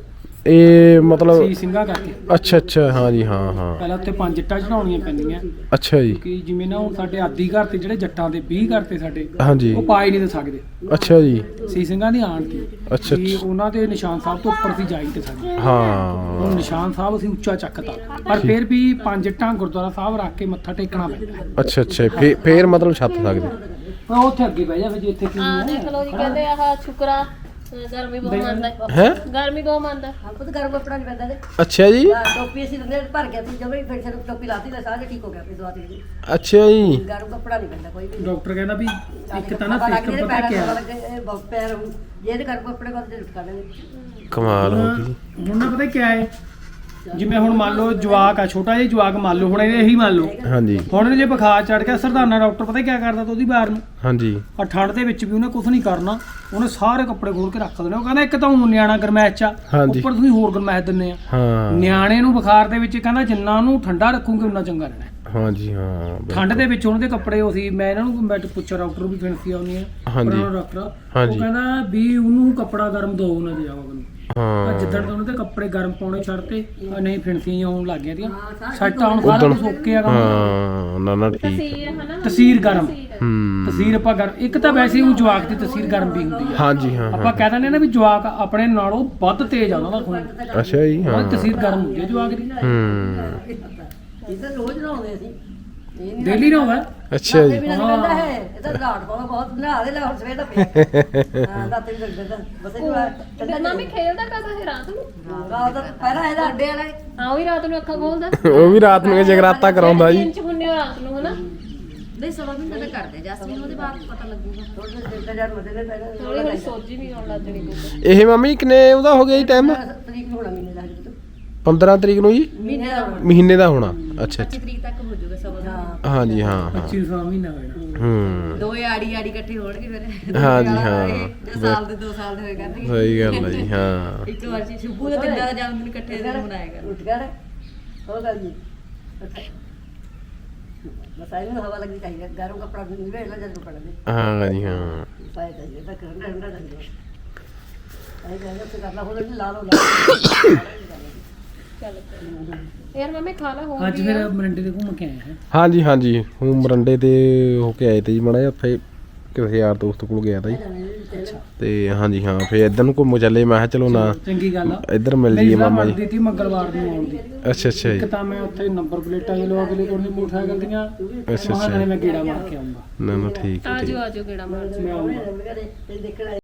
Speaker 2: ਇਹ ਮਤਲਬ
Speaker 7: ਸੀ ਸਿੰਘਾ ਕਰਕੇ
Speaker 2: ਅੱਛਾ ਅੱਛਾ ਹਾਂਜੀ ਹਾਂ ਹਾਂ
Speaker 7: ਪਹਿਲਾਂ ਉੱਤੇ 5 ਇੱਟਾਂ ਚੜਾਉਣੀਆਂ ਪੈਂਦੀਆਂ
Speaker 2: ਅੱਛਾ ਜੀ
Speaker 7: ਕਿ ਜਿਵੇਂ ਨਾ ਹੁਣ ਸਾਡੇ ਆਦੀ ਘਰ ਤੇ ਜਿਹੜੇ ਜੱਟਾਂ ਦੇ 20 ਘਰ ਤੇ ਸਾਡੇ
Speaker 2: ਹਾਂਜੀ
Speaker 7: ਉਹ ਪਾਈ ਨਹੀਂ ਦੇ ਸਕਦੇ
Speaker 2: ਅੱਛਾ ਜੀ
Speaker 7: ਸੀ ਸਿੰਘਾਂ ਦੀ ਆਣ ਦੀ
Speaker 2: ਅੱਛਾ,
Speaker 7: ਕਿ
Speaker 2: ਅੱਛਾ।
Speaker 7: ਉਹਨਾਂ ਦੇ ਨਿਸ਼ਾਨ ਸਾਹਿਬ ਤੋਂ ਉੱਪਰ ਸੀ ਜਾਈ ਤੇ ਸਾਡੇ ਹੁਣ
Speaker 2: ਹਾਂ
Speaker 7: ਨਿਸ਼ਾਨ ਸਾਹਿਬ ਅਸੀਂ ਉੱਚਾ ਚੱਕਤਾ ਪਰ ਫਿਰ ਵੀ 5 ਇੱਟਾਂ ਗੁਰਦੁਆਰਾ ਸਾਹਿਬ ਰੱਖ ਕੇ ਮੱਥਾ ਟੇਕਣਾ ਪੈਂਦਾ
Speaker 2: ਅੱਛਾ ਅੱਛਾ ਫੇਰ ਮਤਲਬ ਛੱਤ ਸਕਦੇ
Speaker 7: ਉਹ ਉੱਥੇ ਅੱਗੇ ਬਹਿ ਜਾ ਫਿਰ ਜੇ ਇੱਥੇ ਕੀ
Speaker 1: ਆ ਦੇਖ ਲਓ ਜੀ ਕਹਿੰਦੇ ਆਹ ਸ਼ੁਕਰਾ ਗਰਮੀ ਬਹੁਤ ਮੰਨਦਾ
Speaker 2: ਹੈ
Speaker 1: ਗਰਮੀ ਬਹੁਤ ਮੰਨਦਾ
Speaker 5: ਆਪੋ ਤਾਂ ਗਰਮ ਕੱਪੜਾ ਨਹੀਂ ਪੈਂਦਾ ਤੇ
Speaker 2: ਅੱਛਾ ਜੀ
Speaker 5: ਟੋਪੀ ਅਸੀਂ ਦਿੰਦੇ ਭਰ ਗਿਆ ਸੀ ਜਦੋਂ ਫਿਰ ਸਿਰ ਟੋਪੀ ਲਾਤੀ ਤਾਂ ਸਾਹ ਠੀਕ ਹੋ ਗਿਆ ਆਪਣੀ ਦਵਾ ਦੇ
Speaker 2: ਅੱਛਾ ਜੀ
Speaker 5: ਗਰਮ ਕੱਪੜਾ ਨਹੀਂ ਪੈਂਦਾ ਕੋਈ ਵੀ
Speaker 7: ਡਾਕਟਰ ਕਹਿੰਦਾ ਵੀ ਇੱਕ ਤਾਂ ਨਾ
Speaker 5: ਪਤਾ ਲੱਗ
Speaker 7: ਸਿਸਟਮ
Speaker 5: ਜੇ
Speaker 7: ਪਤਾ ਕੀ
Speaker 5: ਪੈਰਾਂ
Speaker 7: ਆ
Speaker 5: ਲੱਗੇ ਬਹੁਤ ਪੈਰ ਜੇ ਤੇ ਗਰਮ ਕੱਪੜੇ ਕੋਲ ਤੇ ਲੁਟਕਾ ਲੈਣੇ
Speaker 2: ਕਮਾਲ ਹੋ ਗਈ
Speaker 7: ਹੁਣ ਨਾ ਪਤਾ ਕੀ ਹੈ ਜਿਵੇਂ ਹੁਣ ਮੰਨ ਲਓ ਜਵਾਕ ਆ ਛੋਟਾ ਜਿਹਾ ਜਵਾਕ ਮੰਨ ਲਓ ਹੁਣ ਇਹੀ ਮੰਨ ਲਓ
Speaker 2: ਹਾਂਜੀ
Speaker 7: ਹੁਣ ਇਹਨੂੰ ਜੇ ਬੁਖਾਰ ਚੜ ਗਿਆ ਸਰਦਾਨਾ ਡਾਕਟਰ ਪਤਾ ਕੀ ਕਰਦਾ ਤਾਂ ਉਹਦੀ ਬਾਰ ਨੂੰ
Speaker 2: ਹਾਂਜੀ
Speaker 7: ਆ ਠੰਡ ਦੇ ਵਿੱਚ ਵੀ ਉਹਨੇ ਕੁਝ ਨਹੀਂ ਕਰਨਾ ਉਹਨੇ ਸਾਰੇ ਕੱਪੜੇ ਖੋਲ ਕੇ ਰੱਖ ਦੇਣੇ ਉਹ ਕਹਿੰਦਾ ਇੱਕ ਤਾਂ ਹੁਣ ਨਿਆਣਾ ਗਰਮੈਸ਼ ਚ ਆ
Speaker 2: ਹਾਂਜੀ।
Speaker 7: ਉੱਪਰ ਤੁਸੀਂ ਹੋਰ ਗਰਮੈਸ਼ ਦਿੰਨੇ ਆ
Speaker 2: ਹਾਂ
Speaker 7: ਨਿਆਣੇ ਨੂੰ ਬੁਖਾਰ ਦੇ ਵਿੱਚ ਕਹਿੰਦਾ ਜਿੰਨਾ ਉਹਨੂੰ ਠੰਡਾ ਰੱਖੂਗੇ ਉਨਾ ਚੰਗਾ ਰਹਿਣਾ
Speaker 2: ਹਾਂਜੀ ਹਾਂ
Speaker 7: ਠੰਡ ਦੇ ਵਿੱਚ ਉਹਨਾਂ ਦੇ ਕੱਪੜੇ ਉਹ ਸੀ ਮੈਂ ਇਹਨਾਂ ਨੂੰ ਮੈਂ ਪੁੱਛਿਆ ਡਾਕਟਰ ਨੂੰ ਵੀ ਫਿਣਸੀ ਆਉਣੀ ਆ
Speaker 2: ਹਾਂਜੀ।
Speaker 7: ਪੁਰਾਣਾ ਡਾਕਟਰ ਉਹ
Speaker 2: ਹਾਂਜੀ।
Speaker 7: ਕਹਿੰਦਾ ਵੀ ਉਹਨੂੰ ਕੱਪੜਾ ਗਰਮ ਦੋ ਨਾ ਦਿਆ ਉਹਨੂੰ
Speaker 2: ਹਾਂ
Speaker 7: ਜਿੱਦਣ ਤੋਂ ਉਹਨਾਂ ਦੇ ਕੱਪੜੇ ਗਰਮ ਪਾਉਣੇ ਛੱਡਤੇ ਨਹੀਂ ਫਿਣਸੀਆਂ ਆਉਣ ਲੱਗ ਗਈਆਂ ਸੱਟ ਆਉਣ ਸਾਰਾ ਕੁਝ ਓਕੇ ਆ ਕੰਮ
Speaker 2: ਹਾਂ ਨਾ ਨਾ ਠੀਕ
Speaker 1: ਤਸੀਰ ਹਨਾ
Speaker 7: ਤਸੀਰ ਗਰਮ
Speaker 2: ਹੂੰ
Speaker 7: ਤਸੀਰ ਆਪਾਂ ਗਰਮ ਇੱਕ ਤਾਂ ਵੈਸੇ ਉਹ ਜਵਾਕ ਦੀ ਤਸੀਰ ਗਰਮ ਵੀ ਹੁੰਦੀ ਆ
Speaker 2: ਹਾਂਜੀ ਹਾਂ
Speaker 7: ਆਪਾਂ
Speaker 2: ਹਾਂ
Speaker 7: ਕਹਿ ਦਿੰਦੇ ਨਾ ਵੀ ਜਵਾਕ ਆਪਣੇ ਨਾਲੋਂ ਵੱਧ ਤੇਜ਼ ਆ ਉਹਨਾਂ ਦਾ ਖੂਨ
Speaker 2: ਅੱਛਾ ਜੀ ਹਾਂ
Speaker 7: ਉਹਦੀ ਤਸੀਰ ਗਰਮ ਹੁੰਦੀ ਹੈ ਜਵਾਕ ਦੀ
Speaker 2: ਹੂੰ
Speaker 5: ਇਹ ਤਾਂ ਰੋਜ਼ ਨਹਾਉਂਦੇ ਅਸੀਂ ਇਹ ਨਹੀਂ
Speaker 7: ਡੇਲੀ ਨਾ ਹੋਵੇ
Speaker 2: ਅੱਛਾ ਜੀ
Speaker 5: ਵੀ ਨਹੀਂ ਪੈਂਦਾ ਹੈ ਇਹ ਤਾਂ ਰਾਤ ਬਹੁਤ ਨਹਾ ਦੇ ਲੈ ਹੁਣ ਸਵੇਰ ਦਾ ਪਿਆ ਹਾਂ ਰਾਤ ਵੀ ਲੱਗਦਾ ਬਸ ਇਹ
Speaker 1: ਤੇ ਮਾਮੀ ਖੇਲਦਾ ਕਦੋਂ ਹੈ ਰਾਤ ਨੂੰ
Speaker 5: ਰਾਤ ਪਹਿਲਾਂ ਇਹਦਾ ਅੱਡੇ ਵਾਲਾ
Speaker 1: ਹਾਂ ਉਹ ਵੀ ਰਾਤ ਨੂੰ ਅੱਖਾਂ ਖੋਲਦਾ
Speaker 2: ਉਹ ਵੀ ਰਾਤ ਨੂੰ ਜਗਰਾਤਾ ਕਰਾਉਂਦਾ ਜੀ
Speaker 1: ਦਿਨ ਚ ਹੁੰਨੇ ਹੋ ਰਾਤ ਨੂੰ ਹਨਾ
Speaker 5: ਨਹੀਂ ਸਵਾ ਮਹੀਨੇ ਦਾ ਕਰਦੇ ਜਸਮੀਨ ਉਹਦੇ ਬਾਅਦ ਪਤਾ ਲੱਗੂਗਾ ਥੋੜੇ ਦਿਨ ਦਾ ਜਦ ਮਦੇ ਨੇ
Speaker 1: ਥੋੜੀ ਥੋੜੀ ਸੋਜੀ ਵੀ ਆਉਣ ਲੱਗ ਜਣੀ ਕੋਈ
Speaker 2: ਇਹ ਮੰਮੀ ਕਿੰਨੇ ਉਹਦਾ ਹੋ ਗਿਆ ਜੀ ਟਾਈਮ
Speaker 5: ਤਰੀਕ ਨੂੰ ਹੋਣਾ ਮਹੀਨੇ ਦਾ ਹਜੇ
Speaker 2: 15 ਤਰੀਕ ਨੂੰ ਜੀ
Speaker 5: ਮਹੀਨੇ ਦਾ ਹੋਣਾ
Speaker 2: ਮਹੀਨੇ ਦਾ ਹੋਣਾ ਅੱਛਾ ਅੱਛਾ
Speaker 5: ਤਰੀਕ ਤੱਕ ਹੋ ਜਾਊਗਾ ਸਵਾ ਦਾ
Speaker 2: ਹਾਂਜੀ ਹਾਂ ਹਾਂ
Speaker 7: 25 ਮਹੀਨਾ ਹੋਇਆ
Speaker 2: ਹੂੰ
Speaker 5: ਦੋ ਆੜੀ ਇਕੱਠੇ ਹੋਣਗੇ ਫਿਰ
Speaker 2: ਹਾਂਜੀ, ਹਾਂ।
Speaker 5: 2 ਸਾਲ ਦੇ 2 ਸਾਲ ਦੇ ਹੋਏ ਕਰਨਗੇ
Speaker 2: ਸਹੀ ਗੱਲ ਹੈ ਜੀ ਹਾਂ
Speaker 5: ਇੱਕ ਵਾਰ ਜੀ ਸ਼ੁਭੂ ਦਾ ਤਿੰਨਾਂ ਦਾ ਜਨਮ ਦਿਨ ਇਕੱਠੇ ਦਿਨ ਮਨਾਏਗਾ ਉੱਠ ਗਿਆ ਹੋ ਗੱਲ ਜੀ ਬਸ ਆਈ ਨੂੰ ਹਵਾ ਲੱਗੀ ਚਾਹੀਦੀ ਗਰਮ ਕੱਪੜਾ ਨਿਵੇੜ ਲੈ ਜਦ ਪੜਨੇ
Speaker 2: ਹਾਂ ਜੀ ਹਾਂ
Speaker 5: ਫਾਇਦਾ ਜੀ ਤਾਂ ਕਰਨਾ ਹੁੰਦਾ ਜਾਂਦਾ ਆਈ ਕਹਿੰਦਾ ਤੇ ਕਰਨਾ ਹੋਵੇ ਲਾ ਲਓ
Speaker 1: ਯਾਰ ਮਾਮੇ ਖਾ ਲਾ ਹੋ
Speaker 7: ਅੱਜ ਫਿਰ ਮਰਿੰਡੇ ਦੇ ਘੁੰਮ ਕੇ ਆਏ ਹਾਂ
Speaker 2: ਹਾਂਜੀ ਹਾਂਜੀ ਹੂੰ ਮਰੰਡੇ ਤੇ ਹੋ ਕੇ ਆਏ ਤੇ ਜੀ ਮਾੜਾ ਜਿਹਾ ਉੱਥੇ ਕਿਸੇ ਯਾਰ ਦੋਸਤ ਕੋਲ ਗਿਆ ਤਾ ਜੀ ਤੇ ਹਾਂਜੀ ਹਾਂ ਫੇਰ ਇੱਧਰ ਨੂੰ ਘੁੰਮ ਚੱਲੇ ਮੈਂ ਕਿਹਾ ਚਲੋ ਨਾ
Speaker 7: ਚੰਗੀ ਗੱਲ ਆ
Speaker 2: ਇੱਧਰ ਮਿਲ
Speaker 7: ਮੇਰੀ
Speaker 2: ਜੀਏ
Speaker 7: ਸਲਾਹ
Speaker 2: ਮਾਮਾ ਜੀ
Speaker 7: ਬਣਦੀ ਤੀ ਮੰਗਲਵਾਰ ਨੂੰ ਆਉਣ ਦੀ।
Speaker 2: ਅੱਛਾ ਅੱਛਾ ਜੀ
Speaker 7: ਇੱਕ ਤਾਂ ਮੈਂ ਉੱਥੇ ਨੰਬਰ ਪਲੇਟਾਂ ਜੇ ਲਵਾ ਕੇ ਲੈ ਕੇ ਮੋਟਰਸਾਈਕਲ ਦੀਆਂ
Speaker 2: ਅੱਛਾ
Speaker 7: ਮਹਾਰਾਣੇ ਮੈਂ ਗੇੜਾ ਮਾਰ ਕੇ ਆਉਂਗਾ।
Speaker 2: ਨਾ ਨਾ ਠੀਕ ਹੈ ਠੀਕ
Speaker 1: ਆਜੋ ਗੇੜਾ ਮਾਰ
Speaker 7: ਮੈਂ ਆਉਂਗਾ।